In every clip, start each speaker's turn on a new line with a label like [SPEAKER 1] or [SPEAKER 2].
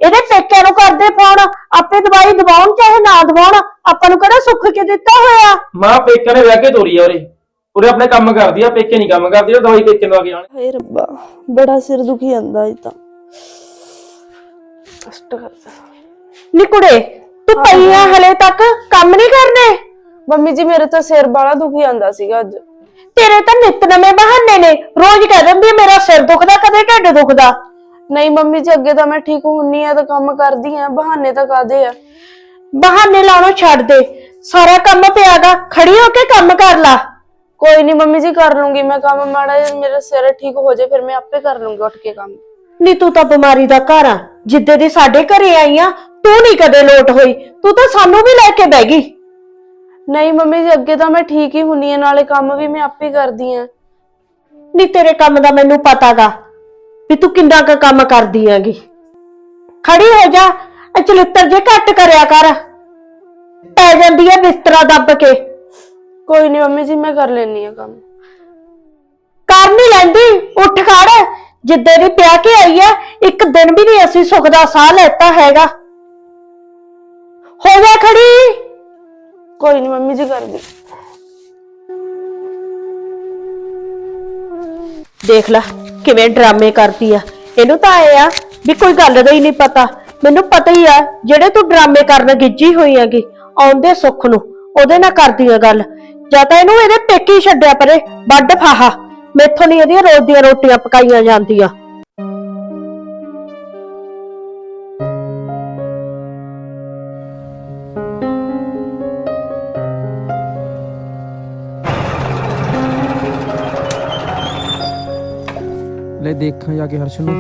[SPEAKER 1] ਇਹਦੇ ਪੇਕਿਆਂ ਨੂੰ ਕਰਦੇ ਫੋਨ, ਆਪੇ ਦਵਾਈ ਦਵਾਉਣ ਚਾਹੇ ਨਾ ਦਵਾਉਣ, ਆਪਾਂ ਨੂੰ ਕਿਹੜਾ ਸੁੱਖ ਕੇ ਦਿੱਤਾ ਹੋਇਆ।
[SPEAKER 2] ਮਾਂ ਪੇਕਿਆਂ ਨੇ ਵਿਆਹ ਕੇ ਤੋਰੀ ਆ ਉਰੇ ਆਪਣੇ ਕੰਮ ਕਰਦੀ ਆ, ਪੇਕੇ ਨਹੀਂ ਕੰਮ ਕਰਦੀ, ਉਹ ਦਵਾਈ ਪੇਕੇ ਲਵਾ ਕੇ ਆਣ।
[SPEAKER 3] ਹਾਏ ਰੱਬਾ, ਬੜਾ ਸਿਰ ਦੁਖੀ ਜਾਂਦਾ ਇਹ ਤਾਂ। ਕਸ਼ਟ ਕਰਦਾ।
[SPEAKER 1] ਨੀ ਕੁੜੇ, ਤੂੰ ਪਈ ਆ ਹਲੇ ਤੱਕ, ਕੰਮ ਨਹੀਂ ਕਰਨੇ?
[SPEAKER 3] ਮੰਮੀ ਜੀ ਮੇਰੇ ਤਾਂ ਸਿਰ ਬਾਲਾ ਦੁਖੀ ਜਾਂਦਾ ਸੀਗਾ ਅੱਜ।
[SPEAKER 1] ਤੇਰੇ ਤਾਂ ਨਿੱਤ ਨਵੇਂ ਬਹਾਨੇ ਨੇ, ਰੋਜ਼ ਕਹਿ ਦਿੰਦੀ ਮੇਰਾ ਸਿਰ ਦੁਖਦਾ, ਕਦੇ ਢਿੱਡ ਦੁਖਦਾ।
[SPEAKER 3] ਨਹੀਂ ਮੰਮੀ ਜੀ, ਅੱਗੇ ਤਾਂ ਮੈਂ ਠੀਕ ਹੁੰਨੀ ਆ ਤਾਂ ਕੰਮ ਕਰਦੀ ਆ, ਬਹਾਨੇ ਤਾਂ ਕਾਦੇ ਆ।
[SPEAKER 1] ਬਹਾਨੇ ਲਾਉਣੋਂ ਛੱਡ ਦੇ, ਸਾਰਾ ਕੰਮ ਪਿਆਗਾ, ਖੜੀ ਹੋ ਕੇ ਕੰਮ ਕਰ ਲਾ।
[SPEAKER 3] ਕੋਈ ਨਹੀਂ ਮੰਮੀ ਜੀ, ਕਰ ਲੂੰਗੀ ਮੈਂ ਕੰਮ, ਮਾੜਾ ਜਿਹਾ ਮੇਰਾ ਸਿਰ ਠੀਕ ਹੋ ਜਾਏ ਫਿਰ ਮੈਂ ਆਪੇ ਕਰ ਲੂੰਗੀ ਉੱਠ ਕੇ ਕੰਮ।
[SPEAKER 1] ਨੀ ਤੂੰ ਤਾਂ ਬਿਮਾਰੀ ਦਾ ਘਰ ਆ, ਜਿੱਦੇ ਦੀ ਸਾਡੇ ਘਰੇ ਆਈ ਆ ਤੂੰ ਨਹੀਂ ਕਦੇ ਲੋਟ ਹੋਈ, ਤੂੰ ਤਾਂ ਸਾਨੂੰ ਵੀ ਲੈ ਕੇ ਬਹਿ ਗਈ।
[SPEAKER 3] ਨਹੀਂ ਮੰਮੀ ਜੀ, ਅੱਗੇ ਤਾਂ ਮੈਂ ਠੀਕ ਹੀ ਹੁੰਨੀ ਆ, ਨਾਲੇ ਕੰਮ ਵੀ ਮੈਂ ਆਪੇ ਕਰਦੀ ਆ।
[SPEAKER 1] ਨੀ ਤੇਰੇ ਕੰਮ ਦਾ ਮੈਨੂੰ ਪਤਾਗਾ ਵੀ ਤੂੰ ਕਿੰਨਾ ਕੁ ਕੰਮ ਕਰਦੀ ਆਂਗੀ। ਖੜੀ ਹੋ ਜਾ, ਚਲਿੱਤਰ ਜੇ ਘੱਟ ਕਰਿਆ ਕਰ, ਪੈ ਜਾਂਦੀ ਆ ਬਿਸਤਰਾ ਦੱਬ ਕੇ।
[SPEAKER 3] ਕੋਈ ਨਹੀਂ ਮੰਮੀ ਜੀ, ਮੈਂ ਕਰ ਲੈਣੀ ਆ ਕੰਮ।
[SPEAKER 1] ਕਰ ਨਹੀਂ ਲੈਂਦੀ, ਉੱਠ ਖੜ, ਜਿੱਦੇ ਦੀ ਪਿਆ ਕੇ ਆਈ ਆ ਇੱਕ ਦਿਨ ਵੀ ਨਹੀਂ ਅਸੀਂ ਸੁੱਖ ਦਾ ਸਾਹ ਲੈਤਾ ਹੈਗਾ। ਹੋ ਜਾ ਖੜੀ।
[SPEAKER 3] ਕੋਈ ਨਹੀਂ ਮੰਮੀ ਜੀ, ਕਰਦੀ।
[SPEAKER 1] ਦੇਖ ਲੈ ਕਿਵੇਂ ਡਰਾਮੇ ਕਰਦੀ ਆ, ਇਹਨੂੰ ਤਾਂ ਆਏ ਆ ਵੀ ਕੋਈ ਗੱਲ ਦਾ ਹੀ ਨਹੀਂ ਪਤਾ। ਮੈਨੂੰ ਪਤਾ ਹੀ ਆ ਜਿਹੜੇ ਤੂੰ ਡਰਾਮੇ ਕਰਨ ਗਿੱਜੀ ਹੋਈ ਹੈਗੀ, ਆਉਂਦੇ ਸੁੱਖ ਨੂੰ ਉਹਦੇ ਨਾਲ ਕਰਦੀ ਆ ਗੱਲ। ਜਾਂ ਤਾਂ ਇਹਨੂੰ ਇਹਦੇ ਪੇਕੀ ਛੱਡਿਆ ਪਰੇ, ਵੱਡ ਫਾਹਾ, ਮੈਥੋਂ ਨਹੀਂ ਇਹਦੀਆਂ ਰੋਜ਼ ਦੀਆਂ ਰੋਟੀਆਂ ਪਕਾਈਆਂ ਜਾਂਦੀਆਂ।
[SPEAKER 4] ਲੈ ਦੇਖਾਂ ਜਾ ਕੇ ਹਰਸ਼ ਨੂੰ।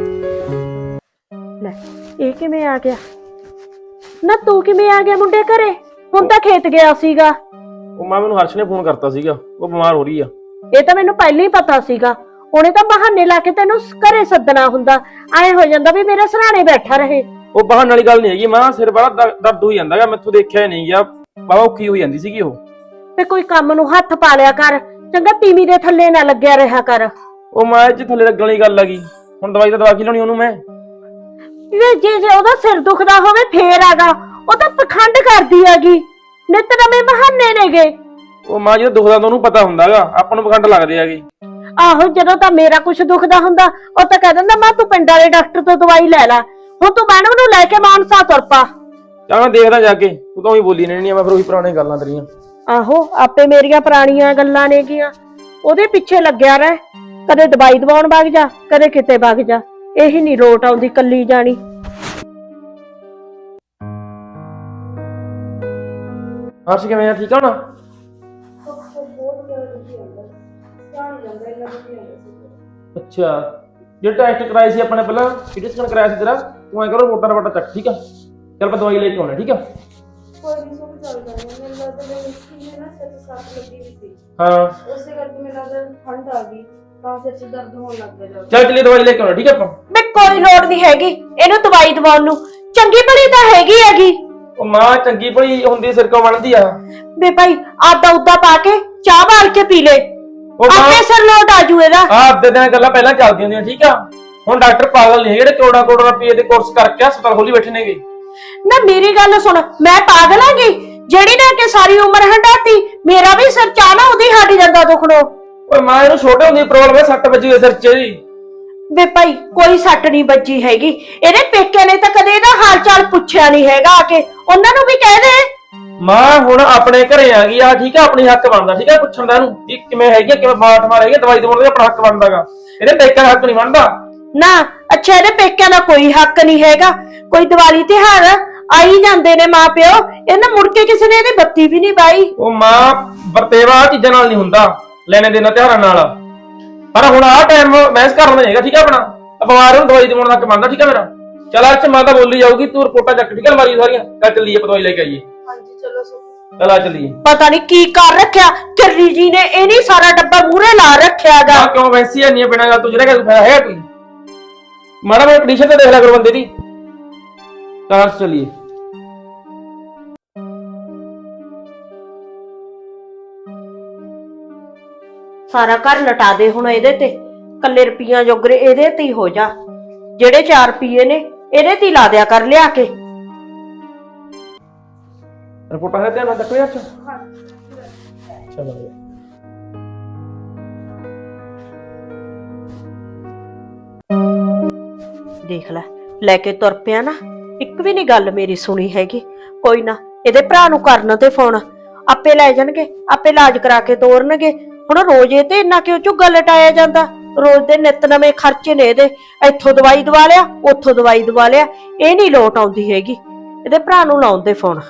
[SPEAKER 1] ਲੈ ਇਹ ਕਿਵੇਂ ਆ ਗਿਆ? ਨਾ ਤੂੰ ਕਿਵੇਂ ਆ ਗਿਆ ਮੁੰਡੇ ਘਰੇ? ਹੁਣ ਤਾਂ ਖੇਤ ਗਿਆ ਸੀਗਾ।
[SPEAKER 2] ਉਹ ਮਾਂ ਮੈਨੂੰ ਹਰਸ਼ ਨੇ ਫੋਨ ਕਰਤਾ ਸੀਗਾ, ਉਹ ਬਿਮਾਰ ਹੋ ਰਹੀ ਆ।
[SPEAKER 1] ਇਹ ਤਾਂ ਮੈਨੂੰ ਪਹਿਲਾਂ ਹੀ ਪਤਾ ਸੀਗਾ, ਉਹਨੇ ਤਾਂ ਬਹਾਨੇ ਲਾ ਕੇ ਤੈਨੂੰ ਘਰੇ ਸੱਦਣਾ ਹੁੰਦਾ, ਐ ਹੋ ਜਾਂਦਾ ਵੀ ਮੇਰੇ ਸਰਾਣੇ ਬੈਠਾ ਰਹੇ।
[SPEAKER 2] ਉਹ ਬਹਾਨੇ ਵਾਲੀ ਗੱਲ ਨਹੀਂ ਹੈਗੀ ਮਾਂ, ਸਿਰ ਬੜਾ ਦਰਦ ਹੋਈ ਜਾਂਦਾਗਾ, ਮੈਥੋਂ ਦੇਖਿਆ ਨਹੀਂ ਗਿਆ, ਬਾਬਾ ਔਖੀ ਹੋਈ ਜਾਂਦੀ ਸੀਗੀ ਉਹ।
[SPEAKER 1] ਤੇ ਕੋਈ ਕੰਮ ਨੂੰ ਹੱਥ ਪਾ ਲਿਆ ਕਰ, ਚੰਗਾ ਤੀਵੀਂ ਦੇ ਥੱਲੇ ਨਾ ਲੱਗਿਆ ਰਿਹਾ ਕਰ।
[SPEAKER 2] ਉਹ ਮਾਂ ਇਹ 'ਚ ਥੱਲੇ ਲੱਗਣ ਵਾਲੀ ਗੱਲ ਹੈਗੀ, ਹੁਣ ਦਵਾਈ ਤਾਂ ਦਵਾ ਕੇ ਲਾਉਣੀ ਉਹਨੂੰ ਮੈਂ।
[SPEAKER 1] ਜੇ ਉਹਦਾ ਸਿਰ ਦੁਖਦਾ ਹੋਵੇ ਫੇਰ ਆਗਾ, ਉਹ ਤਾਂ ਪਖੰਡ ਕਰਦੀ ਹੈਗੀ, ਨਿੱਤ ਨਵੇਂ ਬਹਾਨੇ ਨੇਗੇ।
[SPEAKER 2] ਉਹ ਮਾਂ ਜਦੋਂ ਦੁਖਦਾ ਤਾਂ ਉਹਨੂੰ ਪਤਾ ਹੁੰਦਾਗਾ, ਆਪਾਂ ਨੂੰ ਪਖੰਡ ਲੱਗਦੇ ਹੈਗੇ।
[SPEAKER 1] ਆਹੋ ਜਦੋਂ ਤਾਂ ਮੇਰਾ ਕੁਛ ਦੁਖਦਾ ਹੁੰਦਾ ਉਹ ਤਾਂ ਕਹਿ ਦਿੰਦਾ ਮੈਂ ਤੂੰ ਪਿੰਡ ਵਾਲੇ ਡਾਕਟਰ ਤੋਂ ਦਵਾਈ ਲੈ ਲੈ, ਹੁਣ ਤੂੰ ਮੈਡਮ ਨੂੰ ਲੈ ਕੇ ਮਾਨਸਾ ਤੁਰ ਪਾ।
[SPEAKER 2] ਚੱਲ ਮੈਂ ਦੇਖਦਾ ਜਾ ਕੇ, ਤੂੰ ਤਾਂ ਉਹੀ ਬੋਲੀ ਰਹਿਣੀ ਆ, ਮੈਂ ਫਿਰ ਉਹੀ ਪੁਰਾਣੀਆਂ ਗੱਲਾਂ ਤੇਰੀਆਂ।
[SPEAKER 1] ਆਹੋ ਆਪੇ ਮੇਰੀਆਂ ਪੁਰਾਣੀਆਂ ਗੱਲਾਂ ਨੇਗੀਆਂ, ਉਹਦੇ ਪਿੱਛੇ ਲੱਗਿਆ ਰਹਿ, ਕਦੇ ਦਵਾਈ ਦਵਾਉਣ ਵਗ ਜਾ, ਕਦੇ ਕਿਤੇ ਵਗ ਜਾ, ਇਹੀ ਨਹੀਂ ਲੋਟ ਆਉਂਦੀ ਕੱਲੀ ਜਾਣੀ।
[SPEAKER 2] ਹਰਸ਼ ਕਿਵੇਂ ਆ, ਠੀਕ ਆ ਨਾ? ਅੱਛਾ, ਜਿਹੜਾ ਟੈਸਟ ਕਰਾਇਆ ਸੀ ਆਪਣੇ ਪਹਿਲਾਂ, ਸੀਟੀ ਸਕੈਨ ਕਰਾਇਆ ਸੀ ਤੇਰਾ, ਤੂੰ ਐਂ ਕਰੋ ਮੋਟਾ ਰਵਾਟਾ ਚੱਕ, ਠੀਕ ਆ? ਚੱਲ ਆਪਾਂ ਦਵਾਈ ਲੈ ਕੇ ਆਉਣਾ, ਠੀਕ ਆ?
[SPEAKER 3] ਕੋਈ ਨਹੀਂ ਸਭ ਚੱਲਦਾ ਹੈ, ਮੈਨੂੰ ਲੱਗਦਾ ਮੈਂ ਮਿੱਟੀ ਨਾ ਸਿਰ 'ਚ ਸੱਟ ਲੱਗੀ ਹੋਈ ਸੀ,
[SPEAKER 2] ਹਾਂ
[SPEAKER 3] ਉਸੇ ਕਰਕੇ ਮੈਨੂੰ ਲੱਗਦਾ ਠੰਡ ਆ ਗਈ ਤਾਂ ਸਿਰ 'ਚ ਦਰਦ ਹੋਣ ਲੱਗ ਗਿਆ।
[SPEAKER 2] ਚੱਲ ਚਲੀ ਦਵਾਈ ਲੈ ਕੇ ਆਉਣਾ, ਠੀਕ ਆ ਆਪਾਂ?
[SPEAKER 1] ਮੈਂ ਕੋਈ ਲੋੜ ਨਹੀਂ ਹੈਗੀ ਇਹਨੂੰ ਦਵਾਈ ਦਵਾਉਣ ਨੂੰ, ਚੰਗੀ ਭਲੀ ਤਾਂ ਹੈਗੀ।
[SPEAKER 2] ਉਹ ਮਾਂ ਚੰਗੀ ਭਲੀ ਹੁੰਦੀ ਸਿਰ ਕਿਉਂ ਬਣਦੀ ਆ?
[SPEAKER 1] ਵੇ ਭਾਈ ਆਦਾ ਉਦਾ ਪਾ ਕੇ ਚਾਹ ਬਾਲ ਕੇ ਪੀ ਲੈ,
[SPEAKER 2] ਉਹ ਮਾਂ
[SPEAKER 1] ਆਪੇ ਸਿਰ ਲੋਟ ਆਜੂ ਇਹਦਾ।
[SPEAKER 2] ਆਹ ਅੱਧੇ ਦਿਨ ਗੱਲਾਂ ਪਹਿਲਾਂ ਚੱਲਦੀਆਂ ਹੁੰਦੀਆਂ, ਠੀਕ ਆ? ਹੁਣ ਡਾਕਟਰ ਪਾਗਲ ਨਹੀਂ ਜਿਹੜੇ ਕਰੋੜਾਂ ਕਰੋੜਾਂ ਰੁਪਏ ਦੇ ਕੋਰਸ ਕਰਕੇ ਹਸਪਤਾਲ ਖੋਲੀ ਬੈਠੇ ਨੇਗੇ।
[SPEAKER 1] ਨਾ ਮੇਰੀ ਗੱਲ ਸੁਣ, ਮੈਂ ਪਾਗਲ ਆਂਗੀ ਜਿਹੜੀ ਨੇ ਕਿ ਸਾਰੀ ਉਮਰ ਹੰਡਾਤੀ, ਮੇਰਾ ਵੀ ਸਿਰ ਚਾਹ ਨਾ ਉਹਦੀ ਹਟ ਜਾਂਦਾ ਦੁਖਣੋਂ।
[SPEAKER 2] ਓਏ ਮਾਂ ਇਹਨੂੰ ਛੋਟੇ ਹੁੰਦੀ ਪ੍ਰੋਬਲਮ ਹੈ, ਸੱਟ ਵੱਜੀ ਹੋਈ ਸਿਰ 'ਚ ਇਹਦੀ।
[SPEAKER 1] ਵੇ ਭਾਈ ਕੋਈ ਸੱਟ ਨਹੀਂ ਵੱਜੀ ਹੈਗੀ, ਇਹਦੇ ਪੇਕੇ ਨੇ ਤਾਂ ਕਦੇ ਇਹਦਾ ਹਾਲ ਚਾਲ ਪੁੱਛਿਆ ਨਹੀਂ ਹੈਗਾ, ਆ ਕੇ ਉਹਨਾਂ ਨੂੰ ਵੀ ਕਹਿ ਦੇ।
[SPEAKER 2] ਮਾਂ ਹੁਣ ਆਪਣੇ ਘਰੇ ਆ ਗਈ ਆ, ਠੀਕ ਆ? ਆਪਣੀ ਹੱਕ ਬਣਦਾ, ਠੀਕ ਆ? ਪੁੱਛਣ ਦਾ ਇਹਨੂੰ ਵੀ ਕਿਵੇਂ ਹੈਗੀ, ਕਿਵੇਂ ਬਾਠ ਮਾਰ ਹੈਗੀ, ਦਵਾਈ ਦਵਾਉਣ ਦਾ ਆਪਣਾ ਹੱਕ ਬਣਦਾਗਾ, ਇਹਦੇ ਪੇਕਿਆਂ ਦਾ ਹੱਕ ਨਹੀਂ ਬਣਦਾ
[SPEAKER 1] ਨਾ। ਅੱਛਾ ਇਹਦੇ ਪੇਕਿਆਂ ਦਾ ਕੋਈ ਹੱਕ ਨਹੀਂ ਹੈਗਾ, ਕੋਈ ਦੀਵਾਲੀ ਤਿਉਹਾਰ ਆਈ ਜਾਂਦੇ ਨੇ ਮਾਂ ਪਿਓ, ਇਹਨਾਂ ਮੁੜ ਕੇ ਕਿਸੇ ਨੇ ਇਹਦੀ ਬੱਤੀ ਵੀ ਨਹੀਂ ਬਾਈ।
[SPEAKER 2] ਉਹ ਮਾਂ ਵਰਤੇਵਾ ਆ ਚੀਜ਼ਾਂ ਨਾਲ ਨਹੀਂ ਹੁੰਦਾ, ਲੈਣੇ ਦੇਣਾ ਤਿਉਹਾਰਾਂ ਨਾਲ। ਪਰ ਹੁਣ ਆਹ ਟਾਈਮ ਮੈਸ ਕਰਨਾ ਨਹੀਂ ਹੈਗਾ, ਠੀਕ ਆ? ਆਪਣਾ ਬਿਮਾਰ ਨੂੰ ਦਵਾਈ ਦਵਾਉਣ ਦਾ ਹੱਕ ਬਣਦਾ, ਠੀਕ ਆ ਮੇਰਾ? ਚੱਲ ਅੱਜ ਮਾਂ ਤਾਂ ਬੋਲੀ ਜਾਊਗੀ, ਤੂੰ ਰਿਪੋਰਟਾਂ ਚੱਕ, ਠੀਕ ਆ? ਅਲਮਾਰੀ ਸਾਰੀਆਂ ਚੱਲ ਚੱਲੀਏ, ਆਪਾਂ ਦਵਾਈ ਲੈ ਕੇ ਆਈਏ।
[SPEAKER 3] ਹਾਂਜੀ ਚਲੋ ਸੋ।
[SPEAKER 2] ਚੱਲ ਆ ਚੱਲੀਏ।
[SPEAKER 1] ਪਤਾ ਨਹੀਂ ਕੀ ਕਰ ਰੱਖਿਆ ਚੱਲੀ ਜੀ ਨੇ, ਇਹ ਨਹੀਂ ਸਾਰਾ ਡੱਬਾ ਮੂਹਰੇ ਲਾ ਰੱਖਿਆਗਾ।
[SPEAKER 2] ਮਾਂ ਕਿਉਂ ਵੈਸੀ ਆ ਨਹੀਂ ਬਿਨਾਂ ਗੱਲ ਤੋਂ, ਜਿਹੜਾ ਕਿ ਫਾਇਦਾ ਹੈ ਕੋਈ? ਮਾੜਾ ਮੈਂ ਕੰਡੀਸ਼ਨ ਤੇ ਦੇਖ ਲਿਆ ਕਰੋ ਬੰਦੇ ਦੀ। ਕਾਰ ਚੱਲੀਏ।
[SPEAKER 1] ਸਾਰਾ ਘਰ ਲਟਾ ਦੇ ਹੁਣ ਇਹਦੇ ਤੇ, ਕੱਲੇ ਰੁਪਈਆਂ ਜੋਗਰੇ ਇਹਦੇ ਤੇ ਹੀ ਹੋ ਜਾ। ਜਿਹੜੇ 4 ਰੁਪਏ ਨੇ ਇਹਦੇ ਤੇ ਹੀ ਲਾ ਦਿਆ ਕਰ ਲਿਆ ਕੇ।
[SPEAKER 2] ਰਿਪੋਰਟਾਂ ਦਾ ਧਿਆਨ ਰੱਖੋ ਯਾਰ। ਚਲੋ
[SPEAKER 1] ਦੇਖ ਲੈ ਕੇ ਤੁਰ ਪਿਆ ਨਾ, ਇੱਕ ਵੀ ਨਹੀਂ ਗੱਲ ਮੇਰੀ ਸੁਣੀ ਹੈਗੀ। ਕੋਈ ਨਾ, ਇਹਦੇ ਭਰਾ ਨੂੰ ਕਰਨ ਤੇ ਫੋਨ, ਆਪੇ ਲੈ ਜਾਣਗੇ, ਆਪੇ ਇਲਾਜ ਕਰਾ ਕੇ ਤੋਰਨਗੇ। ਹੁਣ ਰੋਜ਼ ਇਹ ਤੇ ਇੰਨਾ ਕਿਉਂ ਝੁੱਗਾ ਲਟਾਇਆ ਜਾਂਦਾ? ਰੋਜ਼ ਦੇ ਨਿੱਤ ਨਵੇਂ ਖਰਚੇ ਨੇ ਇਹਦੇ, ਇੱਥੋਂ ਦਵਾਈ ਦਵਾ ਲਿਆ, ਉੱਥੋਂ ਦਵਾਈ ਦਵਾ ਲਿਆ, ਇਹ ਨਹੀਂ ਲੋਟ ਆਉਂਦੀ ਹੈਗੀ। ਇਹਦੇ ਭਰਾ ਨੂੰ ਲਾਉਣ ਤੇ ਫੋਨ।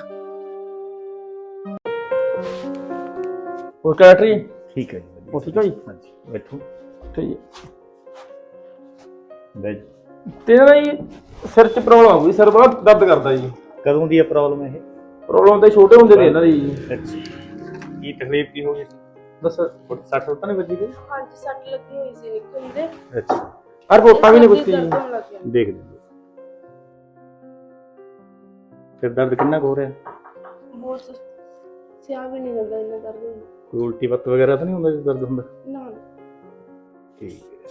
[SPEAKER 2] ਹੋਰ ਕੈਟਰੀ
[SPEAKER 5] ਠੀਕ ਹੈ ਜੀ,
[SPEAKER 2] ਉਹ ਠੀਕ ਹੈ ਜੀ?
[SPEAKER 5] ਹਾਂਜੀ ਬੈਠੋ।
[SPEAKER 2] ਠੀਕ ਹੈ।
[SPEAKER 5] ਬੈਠ।
[SPEAKER 2] ਤੇਰਾ ਨਾ ਜੀ ਸਿਰ 'ਚ ਪ੍ਰੋਬਲਮ ਆ ਗਈ, ਸਿਰ ਬੜਾ ਦਰਦ ਕਰਦਾ ਜੀ।
[SPEAKER 5] ਕਦੋਂ ਦੀ ਹੈ ਪ੍ਰੋਬਲਮ ਇਹ?
[SPEAKER 2] ਪ੍ਰੋਬਲਮ ਤਾਂ ਛੋਟੇ ਹੁੰਦੇ ਨੇ ਇਹਨਾਂ ਦੀ ਜੀ।
[SPEAKER 5] ਅੱਛਾ, ਕੀ ਤਕਲੀਫ ਕੀ ਹੋ ਗਈ ਸੀ?
[SPEAKER 2] ਬਸ
[SPEAKER 5] ਸੱਟ ਸੁੱਟ ਤਾਂ ਨਹੀਂ ਵੱਜੀ ਕੋਈ?
[SPEAKER 3] ਹਾਂਜੀ ਸੱਟ ਲੱਗੀ ਹੋਈ ਸੀ ਨਿੱਕਲ ਦੇ।
[SPEAKER 5] ਅੱਛਾ,
[SPEAKER 2] ਆ ਰਿਪੋਰਟਾਂ ਵੀ ਨਹੀਂ ਪੁੱਛੀ ਜੀ।
[SPEAKER 5] ਦੇਖ ਲਿਓ। ਸਿਰ ਦਰਦ ਕਿੰਨਾ ਕੁ ਹੋ ਰਿਹਾ?
[SPEAKER 3] ਬਹੁਤ ਸਿਆਹ ਵੀ ਨਹੀਂ ਜਾਂਦਾ, ਇੰਨਾ ਦਰਦ ਹੁੰਦਾ।
[SPEAKER 5] ਕੋਈ ਉਲਟੀ ਪੱਤ ਵਗੈਰਾ ਤਾਂ ਨਹੀਂ ਹੁੰਦਾ ਜੇ ਦਰਦ ਹੁੰਦਾ?
[SPEAKER 3] ਨਾ
[SPEAKER 5] ਠੀਕ ਹੈ।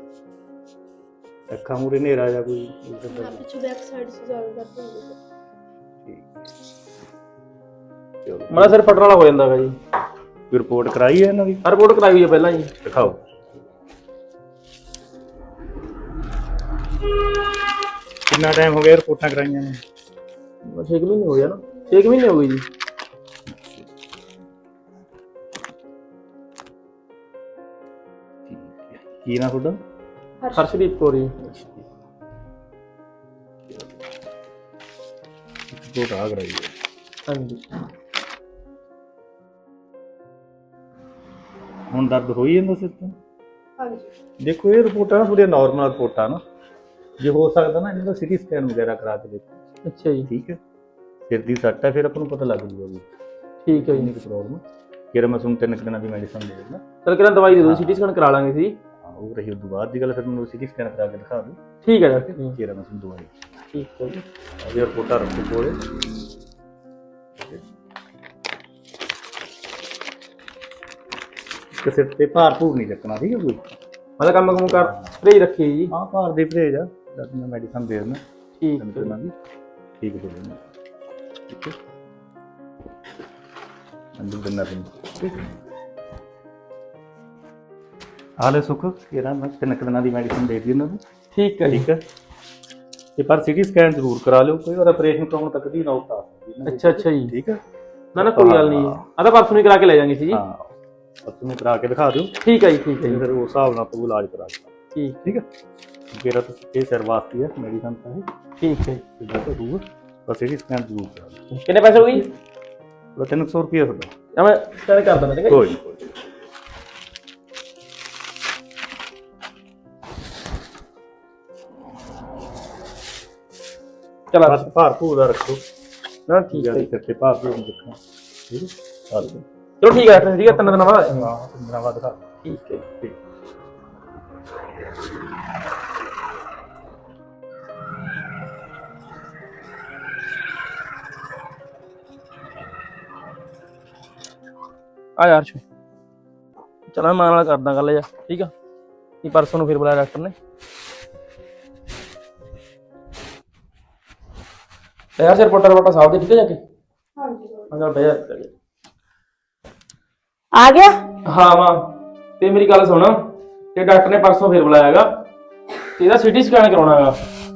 [SPEAKER 5] ਅੱਖਾਂ ਮੂਰੇ ਹਨੇਰਾ ਜਾਂ ਕੋਈ
[SPEAKER 3] ਨਾ, ਪਿੱਛੇ ਬੈਕ ਸਾਈਡ ਸੇ ਜ਼ਿਆਦਾ ਦਰਦ ਹੁੰਦਾ।
[SPEAKER 5] ਠੀਕ ਹੈ। ਚਲੋ,
[SPEAKER 2] ਮੇਰਾ ਸਿਰ ਫਟਣ ਵਾਲਾ ਹੋ ਜਾਂਦਾ ਹੈਗਾ ਜੀ।
[SPEAKER 5] ਕੋਈ ਰਿਪੋਰਟ ਕਰਾਈ ਹੈ ਇਹਨਾਂ ਦੀ?
[SPEAKER 2] ਆ ਰਿਪੋਰਟ ਕਰਾਈ ਹੋਈ ਹੈ ਪਹਿਲਾਂ ਜੀ।
[SPEAKER 5] ਦਿਖਾਓ। ਕਿੰਨਾ ਟਾਈਮ ਹੋ ਗਿਆ ਰਿਪੋਰਟਾਂ ਕਰਾਈਆਂ ਨੇ?
[SPEAKER 2] 6 ਮਹੀਨੇ ਹੋ ਗਿਆ ਨਾ, 6 ਮਹੀਨੇ ਹੋ ਗਏ ਜੀ।
[SPEAKER 5] ਕੀ ਨਾ ਤੁਹਾਡਾ?
[SPEAKER 2] ਹਰਸ਼ਦੀਪ ਕੌਰ ਜੀ।
[SPEAKER 5] ਰਿਪੋਰਟ ਆ ਕਰਾਈ ਹੈ।
[SPEAKER 2] ਹਾਂਜੀ।
[SPEAKER 5] ਹੁਣ ਦਰਦ ਹੋਈ ਜਾਂਦਾ ਸਿਰ ਤੋਂ?
[SPEAKER 3] ਹਾਂਜੀ।
[SPEAKER 5] ਦੇਖੋ ਇਹ ਰਿਪੋਰਟਾਂ ਨਾ ਥੋੜ੍ਹੀਆਂ ਨਾਰਮਲ ਰਿਪੋਰਟਾਂ ਨਾ, ਜੇ ਹੋ ਸਕਦਾ ਨਾ ਇਹਨਾਂ ਦਾ ਸਿਟੀ ਸਕੈਨ ਵਗੈਰਾ ਕਰਾ ਕੇ ਦੇਖੋ।
[SPEAKER 2] ਅੱਛਾ ਜੀ।
[SPEAKER 5] ਠੀਕ ਹੈ, ਸਿਰ ਦੀ ਸੱਟ ਹੈ, ਫਿਰ ਆਪਾਂ ਨੂੰ ਪਤਾ ਲੱਗ ਜੂਗਾ ਵੀ
[SPEAKER 2] ਠੀਕ ਹੈ ਜੀ।
[SPEAKER 5] ਕਿੰਨੀ ਕੁ ਪ੍ਰੋਬਲਮ ਹੈ। ਫਿਰ ਮੈਂ ਤੁਹਾਨੂੰ 3 ਦਿਨਾਂ ਦੀ ਮੈਡੀਸਨ ਦੇ ਦਿੰਦਾ।
[SPEAKER 2] ਚਲ ਕਿਹੜਾ ਦਵਾਈ ਦੇ ਦਿਓ, ਸਿਟੀ ਸਕੈਨ ਕਰਾ ਲਾਂਗੇ ਸੀ।
[SPEAKER 5] ਹਾਂ, ਉਹ ਰਹੀ ਉਦੋਂ ਬਾਅਦ ਦੀ ਗੱਲ, ਫਿਰ ਮੈਨੂੰ ਸਿਟੀ ਸਕੈਨ ਕਰਾ ਕੇ ਦਿਖਾ ਦਿਓ।
[SPEAKER 2] ਠੀਕ ਹੈ ਡਾਕਟਰ ਜੀ।
[SPEAKER 5] ਫਿਰ ਮੈਂ ਤੁਹਾਨੂੰ ਦਵਾਈ।
[SPEAKER 2] ਠੀਕ ਹੈ ਜੀ।
[SPEAKER 5] ਇਹ ਰਿਪੋਰਟਾਂ ਰੱਖੋ ਕੋਲੇ। ਕਿਸੇ ਤੇ ਭਾਰ ਭੂਰ ਨਹੀਂ ਚੱਕਣਾ, ਠੀਕ ਹੈ? ਕੋਈ
[SPEAKER 2] ਮਤਲਬ ਕੰਮ ਕੰਮ ਕਰ ਪਰਹੇਜ਼ ਰੱਖੀ ਜੀ।
[SPEAKER 5] ਹਾਂ, ਭਾਰ ਦੇ ਪਰਹੇਜ ਆ, ਜਦ ਮੈਂ ਮੈਡੀਸਨ ਦੇ ਦਿੰਦਾ।
[SPEAKER 2] ਠੀਕ
[SPEAKER 5] ਤਿੰਨ ਦਿਨਾਂ ਦੀ ਠੀਕ ਹੋ ਜਾਣਾ। ਠੀਕ ਹੈ, ਅੰਦਰ ਦਿਨਾਂ ਦਿਨ ਹਾਲੇ ਸੁੱਖ ਇਹਦਾ ਮੈਂ 3 ਦਿਨਾਂ ਦੀ ਮੈਡੀਸਨ ਦੇ ਦਿੱਤੀ ਇਹਨਾਂ ਨੂੰ।
[SPEAKER 2] ਠੀਕ ਹੈ ਜੀ।
[SPEAKER 5] ਠੀਕ ਹੈ, ਤੇ ਪਰ ਸਿਟੀ ਸਕੈਨ ਜ਼ਰੂਰ ਕਰਾ ਲਿਓ, ਕੋਈ ਵਾਰ ਆਪਰੇਸ਼ਨ ਕਰਾਉਣ ਤੱਕ ਦੀ ਨੌਬਤ ਆ ਸਕਦੀ ਹੈ।
[SPEAKER 2] ਅੱਛਾ ਅੱਛਾ ਜੀ।
[SPEAKER 5] ਠੀਕ ਹੈ,
[SPEAKER 2] ਨਾ ਨਾ ਕੋਈ ਗੱਲ ਨਹੀਂ ਜੀ, ਆ ਤਾਂ ਪਰਸੋਂ ਹੀ ਕਰਾ ਕੇ ਲੈ ਜਾਾਂਗੇ ਸੀ ਜੀ।
[SPEAKER 5] ਹਾਂ, ਤੁਸੀਂ ਕਰਾ ਕੇ ਦਿਖਾ ਦਿਓ।
[SPEAKER 2] ਠੀਕ ਹੈ ਜੀ। ਠੀਕ ਹੈ ਜੀ।
[SPEAKER 5] ਫਿਰ ਉਸ ਹਿਸਾਬ ਨਾਲ ਆਪਾਂ ਇਲਾਜ ਕਰਾ ਦਿਓ। ਠੀਕ ਹੈ, ਮੇਰਾ ਤਾਂ ਇਹ ਸਿਰ ਵਾਸਤੇ ਹੈ ਮੈਡੀਸਨ ਤਾਂ ਇਹ।
[SPEAKER 2] ਠੀਕ ਹੈ ਜੀ।
[SPEAKER 5] ਇਹਦਾ ਤਾਂ ਦੂਰ ਬਸ ਸਿਟੀ ਸਕੈਨ ਜ਼ਰੂਰ ਕਰਾ ਦਿਓ।
[SPEAKER 2] ਕਿੰਨੇ ਪੈਸੇ ਹੋ ਗਏ?
[SPEAKER 5] 300 ਰੁਪਏ ਤੁਹਾਡਾ।
[SPEAKER 2] ਮੈਂ ਸਕੈਨ ਕਰ ਦਿੰਦਾ। ਠੀਕ ਹੈ
[SPEAKER 5] ਕੋਈ ਨਹੀਂ, ਕੋਈ ਨਹੀਂ।
[SPEAKER 2] ਚਲ
[SPEAKER 5] ਬਸ ਭਾਰ ਭੂਰ ਦਾ ਰੱਖੋ
[SPEAKER 2] ਨਾ। ਠੀਕ ਹੈ।
[SPEAKER 5] ਸਿਰ ਤੇ ਭਾਰ ਭੂਰ ਨਹੀਂ ਰੱਖਣਾ। ਠੀਕ ਹੈ, ਆ ਲਓ।
[SPEAKER 2] ਚਲੋ ਠੀਕ ਹੈ ਡਾਕਟਰ ਜੀ, 3 ਦਿਨਾਂ ਬਾਅਦ।
[SPEAKER 5] ਹਾਂ, 3 ਦਿਨਾਂ ਬਾਅਦ ਦਿਖਾ ਦਿਓ।
[SPEAKER 2] ਠੀਕ ਹੈ।
[SPEAKER 5] ਠੀਕ।
[SPEAKER 2] ਆ ਯਾਰ ਛੇ ਚਲ ਮੈਂ ਮਾਂ ਨਾਲ ਕਰਦਾ ਗੱਲ ਯਾਰ। ਠੀਕ ਆ, ਇਹ ਪਰਸੋਂ ਨੂੰ ਫਿਰ ਬੁਲਾਇਆ ਡਾਕਟਰ ਨੇ। ਯਾਰ ਸਿਰ ਰਿਪੋਰਟਾਂ ਸਾਹਿਬ ਦੇ ਠੀਕ ਹੈ ਜਾ ਕੇ।
[SPEAKER 3] ਹਾਂਜੀ।
[SPEAKER 2] ਹਾਂ ਬਹਿ ਜਾ।
[SPEAKER 1] ਆ ਗਿਆ?
[SPEAKER 2] ਹਾਂ ਮਾਂ, ਤੇ ਮੇਰੀ ਗੱਲ ਸੁਣ, ਤੇ ਡਾਕਟਰ ਨੇ ਪਰਸੋਂ ਫਿਰ ਬੁਲਾਇਆ ਹੈਗਾ, ਤੇ ਇਹਦਾ ਸਿਟੀ ਸਕੈਨ ਕਰਾਉਣਾ ਹੈਗਾ।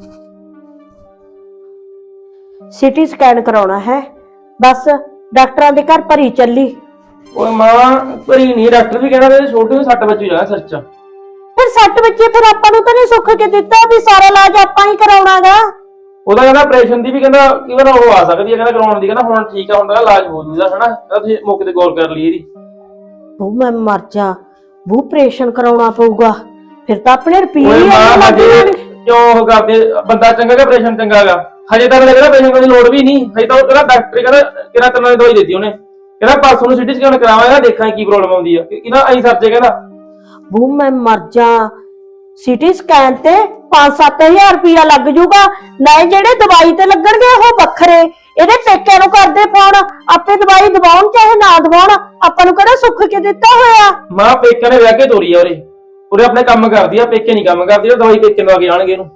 [SPEAKER 1] ਸਿਟੀ ਸਕੈਨ ਕਰਾਉਣਾ ਹੈ? ਬਸ ਡਾਕਟਰਾਂ ਦੇ ਘਰ ਭਰੀ ਚੱਲੀ।
[SPEAKER 2] ਓਏ ਮਾਂ ਭਰੀ ਨਹੀਂ, ਡਾਕਟਰ ਵੀ ਕਹਿੰਦਾ ਤੇ ਛੋਟੇ ਨੂੰ 6 ਵਜੇ ਜਾਣਾ ਸਿਰ 'ਚ।
[SPEAKER 1] ਫਿਰ 6 ਬੱਚੇ, ਫਿਰ ਆਪਾਂ ਨੂੰ ਤਾਂ ਨਹੀਂ ਸੁੱਖ ਕੇ ਦਿੱਤਾ ਵੀ ਸਾਰਾ ਇਲਾਜ ਆਪਾਂ ਹੀ ਕਰਾਉਣਾਗਾ।
[SPEAKER 2] ਉਹਦਾ ਕਹਿੰਦਾ ਆਪਰੇਸ਼ਨ ਦੀ ਵੀ ਕਹਿੰਦਾ ਕਈ ਵਾਰ ਉਹ ਆ ਸਕਦੀ ਹੈ, ਕਹਿੰਦਾ ਕਰਾਉਣ ਦੀ, ਕਹਿੰਦਾ ਹੁਣ ਠੀਕ ਆ, ਹੁੰਦਾ ਇਲਾਜ ਹੋ ਜੂਦਾ ਹਨਾ। ਤੁਸੀਂ ਮੌਕੇ ਤੇ ਗੌਰ ਕਰ ਲਈ ਇਹਦੀ।
[SPEAKER 1] ਬੂ ਮੈਂ ਮਰ ਜਾ ਬੂ, ਆਪਰੇਸ਼ਨ ਕਰਾਉਣਾ ਪਊਗਾ ਫਿਰ ਤਾਂ ਆਪਣੇ ਰੁਪਏ
[SPEAKER 2] ਓਏ ਮਾਂ ਹਜੇ ਕਿਉਂ ਉਹ ਕਰਦੇ? ਬੰਦਾ ਚੰਗਾ ਕਿ ਆਪਰੇਸ਼ਨ ਚੰਗਾ ਹੈਗਾ? ਹਜੇ ਤੱਕ ਲੱਗਦਾ ਆਪਰੇਸ਼ਨ ਕਰਨ ਦੀ ਲੋੜ ਵੀ ਨਹੀਂ। ਹਜੇ ਤਾਂ ਉਹ ਕਹਿੰਦਾ ਡਾਕਟਰ ਕਹਿੰਦਾ ਕਿਹੜਾ ਤਰ੍ਹਾਂ ਦੀ ਦਵਾਈ ਦਿੱਤੀ ਉਹਨੇ, ਕਹਿੰਦਾ ਪਰਸੋਂ ਨੂੰ ਸਿਟੀ ਸਕੈਨ ਕਰਾਵਾਂਗਾ, ਦੇਖਾਂਗੇ ਕੀ ਪ੍ਰੋਬਲਮ ਆਉਂਦੀ ਆ। ਇਹਦਾ ਐਂ ਸਰਜੇ ਕਹਿੰਦਾ।
[SPEAKER 1] ਬੂ ਮੈਂ ਮਰ ਜਾ, ਸਿਟੀ ਸਕੈਨ ਤੇ 5-7 ਹਜ਼ਾਰ ਰੁਪਇਆ ਲੱਗ ਜੂਗਾ, ਨਾ ਜਿਹੜੇ ਦਵਾਈ ਤੇ ਲੱਗਣਗੇ ਉਹ ਵੱਖਰੇ। ਇਹਦੇ ਪੇਕਿਆਂ ਨੂੰ ਕਰਦੇ ਫੋਨ, ਆਪੇ ਦਵਾਈ ਦਵਾਉਣ ਚਾਹੇ ਨਾ ਦਵਾਉਣ, ਆਪਾਂ ਨੂੰ ਕਿਹੜਾ ਸੁੱਖ ਕੇ ਦਿੱਤਾ ਹੋਇਆ।
[SPEAKER 2] ਮਾਂ ਪੇਕਿਆਂ ਨੇ ਵਿਆਹ ਕੇ ਤੋਰੀ ਆ ਉਰੇ, ਉਰੇ ਆਪਣੇ ਕੰਮ ਕਰਦੀ ਆ, ਪੇਕੇ ਨਹੀਂ ਕੰਮ ਕਰਦੀ। ਉਹ ਦਵਾਈ ਪੇਕੇ ਲਵਾ ਕੇ ਆਣਗੇ ਇਹਨੂੰ।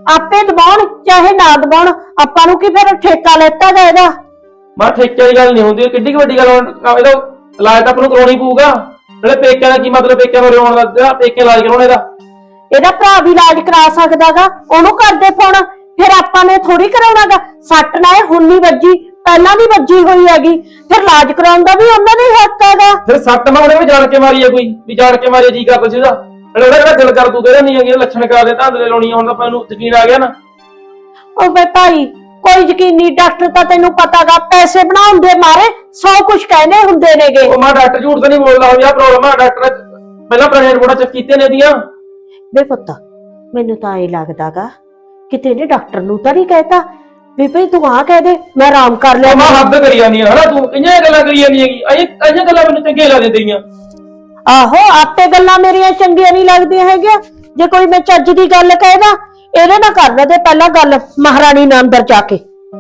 [SPEAKER 1] ਆਪੇ ਦਬਾਉਣ ਚਾਹੇ ਨਾ ਦਬਾਉਣ, ਆਪਾਂ ਨੂੰ ਕੀ ਫਿਰ ਠੇਕਾ ਲੈਤਾ ਗਾ ਇਹਦਾ।
[SPEAKER 2] ਮੈਂ ਠੇਕੇ ਵਾਲੀ ਗੱਲ ਨਹੀਂ ਹੁੰਦੀ, ਕਿੱਡੀ ਕੁ ਵੱਡੀ ਗੱਲ ਇਹਦਾ ਇਲਾਜ ਤਾਂ ਆਪਾਂ ਨੂੰ ਕਰਾਉਣੀ ਪਊਗਾ। ਨਾਲੇ ਪੇਕਿਆਂ ਦਾ ਕੀ ਮਤਲਬ, ਪੇਕਿਆਂ ਨੂੰ ਰੋਣ ਦਾ, ਪੇਕੇ ਇਲਾਜ ਕਰਾਉਣੇ ਇਹਦਾ।
[SPEAKER 1] ਇਹਦਾ ਭਰਾ ਵੀ ਇਲਾਜ ਕਰਾ ਸਕਦਾਗਾ, ਉਹਨੂੰ ਕਰਦੇ ਫੋਨ, ਫਿਰ ਆਪਾਂ ਨੇ ਥੋੜੀ ਕਰਾਉਣਾਗਾ। ਸੱਟ ਨਾ ਹੁਣ ਨਹੀਂ ਵੱਜੀ, ਪਹਿਲਾਂ ਵੀ ਵੱਜੀ ਹੋਈ ਹੈਗੀ, ਫਿਰ ਇਲਾਜ ਕਰਾਉਣ ਦਾ ਵੀ ਉਹਨਾਂ ਦਾ ਹੀ ਹੱਕ ਹੈਗਾ।
[SPEAKER 2] ਫਿਰ ਸੱਟ ਮੈਂ ਉਹਨੇ ਵੀ ਜਾਣ ਕੇ ਮਾਰੀ ਹੈ, ਕੋਈ ਵੀ ਜਾਣ ਕੇ ਮਾਰੀ ਜੀ ਕਰਦਾ ਸੀ ਉਹਦਾ। ਨਾਲੇ ਉਹਦਾ ਕਿਹੜਾ ਦਿਲ ਕਰ ਤੂੰ ਕਹਿੰਦਾ ਨਹੀਂ ਹੈਗੀ ਲੱਛਣ ਕਰਾ ਦੇ ਧਾਂਦਲੇ ਲਾਉਣੀ ਹੁਣ ਤਾਂ ਆਪਾਂ ਨੂੰ ਯਕੀਨ ਆ ਗਿਆ ਨਾ।
[SPEAKER 1] ਉਹ ਵੇ ਭਾਈ ਕੋਈ ਯਕੀਨੀ ਡਾਕਟਰ ਤਾਂ ਤੈਨੂੰ ਪਤਾਗਾ ਪੈਸੇ ਬਣਾਉਣ ਦੇ ਮਾਰੇ 100 ਕੁਝ ਕਹਿੰਦੇ ਹੁੰਦੇ ਨੇਗੇ।
[SPEAKER 2] ਉਹ ਮੈਂ ਡਾਕਟਰ ਝੂਠ ਤਾਂ ਨਹੀਂ ਬੋਲਦਾ, ਹੋ ਜਾ ਪ੍ਰੋਬਲਮ ਆ ਡਾਕਟਰ ਪਹਿਲਾਂ ਪੁਰਾਣੇ ਰਿਪੋਰਟਾਂ ਚੈੱਕ ਕੀਤੇ ਨੇ ਦੀਆਂ।
[SPEAKER 1] ਵੇ ਪੁੱਤ ਮੈਨੂੰ ਤਾਂ ਇਹ ਲੱਗਦਾਗਾ ਕਿਤੇ ਨੇ ਡਾਕਟਰ ਨੂੰ ਤਾਂ ਨਹੀਂ ਕਹਿਤਾ ਵੀ ਭਈ ਤੂੰ ਆ ਕਹਿ ਦੇ ਮੈਂ ਆਰਾਮ ਕਰ ਲਿਆ।
[SPEAKER 2] ਮੈਂ ਹੱਦ ਕਰੀ ਜਾਂਦੀ ਆ ਹਨਾ, ਤੂੰ ਕਿੰਨੀਆਂ ਗੱਲਾਂ ਕਰੀ ਜਾਂਦੀ ਹੈਗੀ, ਅਈਆਂ ਗੱਲਾਂ ਮੈਨੂੰ ਚੰਗੀਆਂ ਲੱਗ ਦਿੰਦੀਆਂ।
[SPEAKER 1] ਆਹੋ ਆਪੇ ਗੱਲਾਂ ਮੇਰੀਆਂ ਚੰਗੀਆਂ ਨਹੀਂ ਲੱਗਦੀਆਂ ਹੈਗੀਆਂ। ਜੇ ਕੋਈ ਮੈਂ ਚੱਜ ਦੀ ਗੱਲ ਕਹਿਦਾ ਇਹਦੇ ਨਾਲ ਕਰਨਾ ਤੇ ਪਹਿਲਾਂ ਗੱਲ ਮਹਾਰਾਣੀ ਨਾਲ ਅੰਦਰ ਜਾ ਕੇ।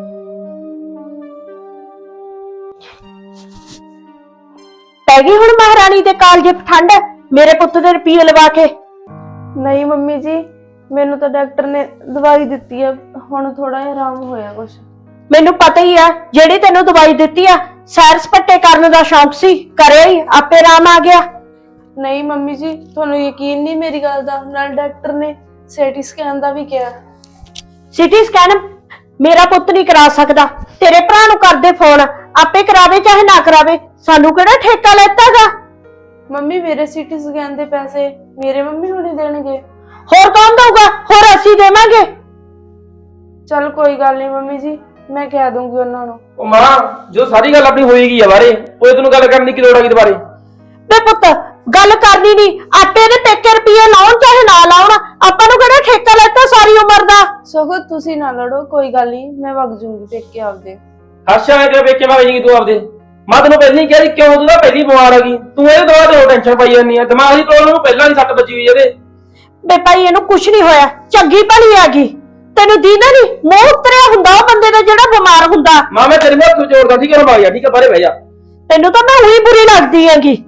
[SPEAKER 1] ਪੈ ਗਈ ਹੁਣ ਮਹਾਰਾਣੀ ਦੇ ਕਾਲਜੇ ਠੰਡ ਮੇਰੇ ਪੁੱਤ ਦੇ ਰੁਪਈਏ ਲਵਾ ਕੇ।
[SPEAKER 3] ਨਹੀਂ ਮੰਮੀ ਜੀ, ਮੈਨੂੰ ਤਾਂ ਡਾਕਟਰ ਨੇ ਦਵਾਈ ਦਿੱਤੀ ਆ, ਹੁਣ ਥੋੜਾ ਜਿਹਾ ਆਰਾਮ ਹੋਇਆ ਕੁਛ।
[SPEAKER 1] ਮੈਨੂੰ ਪਤਾ ਹੀ ਆ ਜਿਹੜੀ ਤੈਨੂੰ ਦਵਾਈ ਦਿੱਤੀ ਆ ਸੈਰ ਸਪੱਟੇ ਕਰਨ ਦਾ ਸ਼ੌਂਕ ਸੀ, ਕਰਿਆ ਹੀ ਆਪੇ ਆਰਾਮ ਆ ਗਿਆ।
[SPEAKER 3] ਨਹੀਂ ਮੰਮੀ ਜੀ, ਤੁਹਾਨੂੰ ਯਕੀਨ ਨਹੀਂ ਮੇਰੀ ਗੱਲ ਦਾ। ਨਾਲ ਡਾਕਟਰ ਨੇ ਸੀਟੀ ਸਕੈਨ ਦਾ ਵੀ ਕਿਹਾ।
[SPEAKER 1] ਸਿਟੀ ਸਕੈਨ ਮੇਰਾ ਪੁੱਤ ਨਹੀਂ ਕਰਾ ਸਕਦਾ, ਤੇਰੇ ਭਰਾ ਨੂੰ ਕਰਦੇ ਫੋਨ, ਆਪੇ ਕਰਾਵੇ ਚਾਹੇ ਨਾ ਕਰਾਵੇ, ਸਾਨੂੰ ਕਿਹੜਾ ਠੇਕਾ ਲੈਤਾਗਾ।
[SPEAKER 3] ਮੰਮੀ ਮੇਰੇ ਸੀਟੀ ਸਕੈਨ ਦੇ ਪੈਸੇ ਮੇਰੇ ਮੰਮੀ ਹੁਣੀ ਦੇਣਗੇ।
[SPEAKER 1] ਹੋਰ ਕੌਣ ਦਊਗਾ, ਹੋਰ ਅਸੀਂ ਦੇਵਾਂਗੇ।
[SPEAKER 3] ਚਲ ਕੋਈ ਗੱਲ ਨਹੀਂ ਮੰਮੀ ਜੀ, ਮੈਂ ਕਹਿ ਦੂੰਗੀ ਉਹਨਾਂ ਨੂੰ।
[SPEAKER 2] ਉਹ ਮਾਂ ਜੋ ਸਾਰੀ ਗੱਲ ਆਪਣੀ ਹੋਏਗੀ ਆ ਬਾਰੇ, ਉਹ ਤੈਨੂੰ ਗੱਲ ਕਰਨ ਦੀ ਕੀ ਲੋੜ ਆ ਦੁਬਾਰੇ।
[SPEAKER 1] ਤੇ ਪੁੱਤ ਗੱਲ ਕਰਨੀ ਨਹੀਂ, ਆਪੇ ਇਹਦੇ ਪੇਕੇ ਰੁਪਈਏ ਲਾਉਣ ਚਾਹੇ ਨਾ ਲਾਉਣ, ਆਪਾਂ ਨੂੰ ਕਿਹੜਾ ਠੇਕਾ ਲੈਤਾ ਸਾਰੀ ਉਮਰ ਦਾ।
[SPEAKER 3] ਸਗੋਂ ਤੁਸੀਂ ਨਾ ਲੜੋ, ਕੋਈ ਗੱਲ ਨਹੀਂ, ਮੈਂ ਵਗ ਜੂੰਗੀ ਪੇਕੇ ਆਪਦੇ।
[SPEAKER 2] ਹਰਸ਼ਾ ਨੇ ਤੇਰੇ ਪੇਕੇ ਵਗ ਜਾਏਗੀ ਤੂੰ ਆਪਦੇ। ਮੈਂ ਤੈਨੂੰ ਪਹਿਲਾਂ ਹੀ ਕਿਹਾ ਸੀ ਕਿਉਂ ਤੂੰ ਤਾਂ ਪਹਿਲੀ ਬਿਮਾਰ ਆ ਗਈ, ਤੂੰ ਇਹਦੇ ਦੁਆਰਾ ਤੇ ਟੈਨਸ਼ਨ ਪਾਈ ਜਾਂਦੀ ਆ। ਦਿਮਾਗ ਦੀ ਪ੍ਰੋਬਲਮ ਨੂੰ ਪਹਿਲਾਂ ਹੀ ਸੱਟ ਵੱਜੀ ਹੋਈ ਇਹਦੇ।
[SPEAKER 1] ਬੇ ਭਾਈ ਇਹਨੂੰ ਕੁਛ ਨਹੀਂ ਹੋਇਆ, ਚੰਗੀ ਭਲੀ ਆ ਗਈ, ਤੈਨੂੰ ਦੀਦਾ ਨਹੀਂ ਮੂੰਹ ਉਤਰਿਆ ਹੁੰਦਾ ਉਹ ਬੰਦੇ ਦਾ ਜਿਹੜਾ ਬਿਮਾਰ ਹੁੰਦਾ।
[SPEAKER 2] ਮਾਂ ਮੈਂ ਤੇਰੇ ਹੱਥ ਜੋੜਦਾ ਠੀਕ ਹੈ, ਭਾਗ ਜਾ ਠੀਕ ਹੈ, ਬਾਹਰੇ ਬਹਿ ਜਾ।
[SPEAKER 1] ਤੈਨੂੰ ਤਾਂ ਮੈਂ ਉਹੀ ਬੁਰੀ ਲੱਗਦੀ ਹੈਗੀ।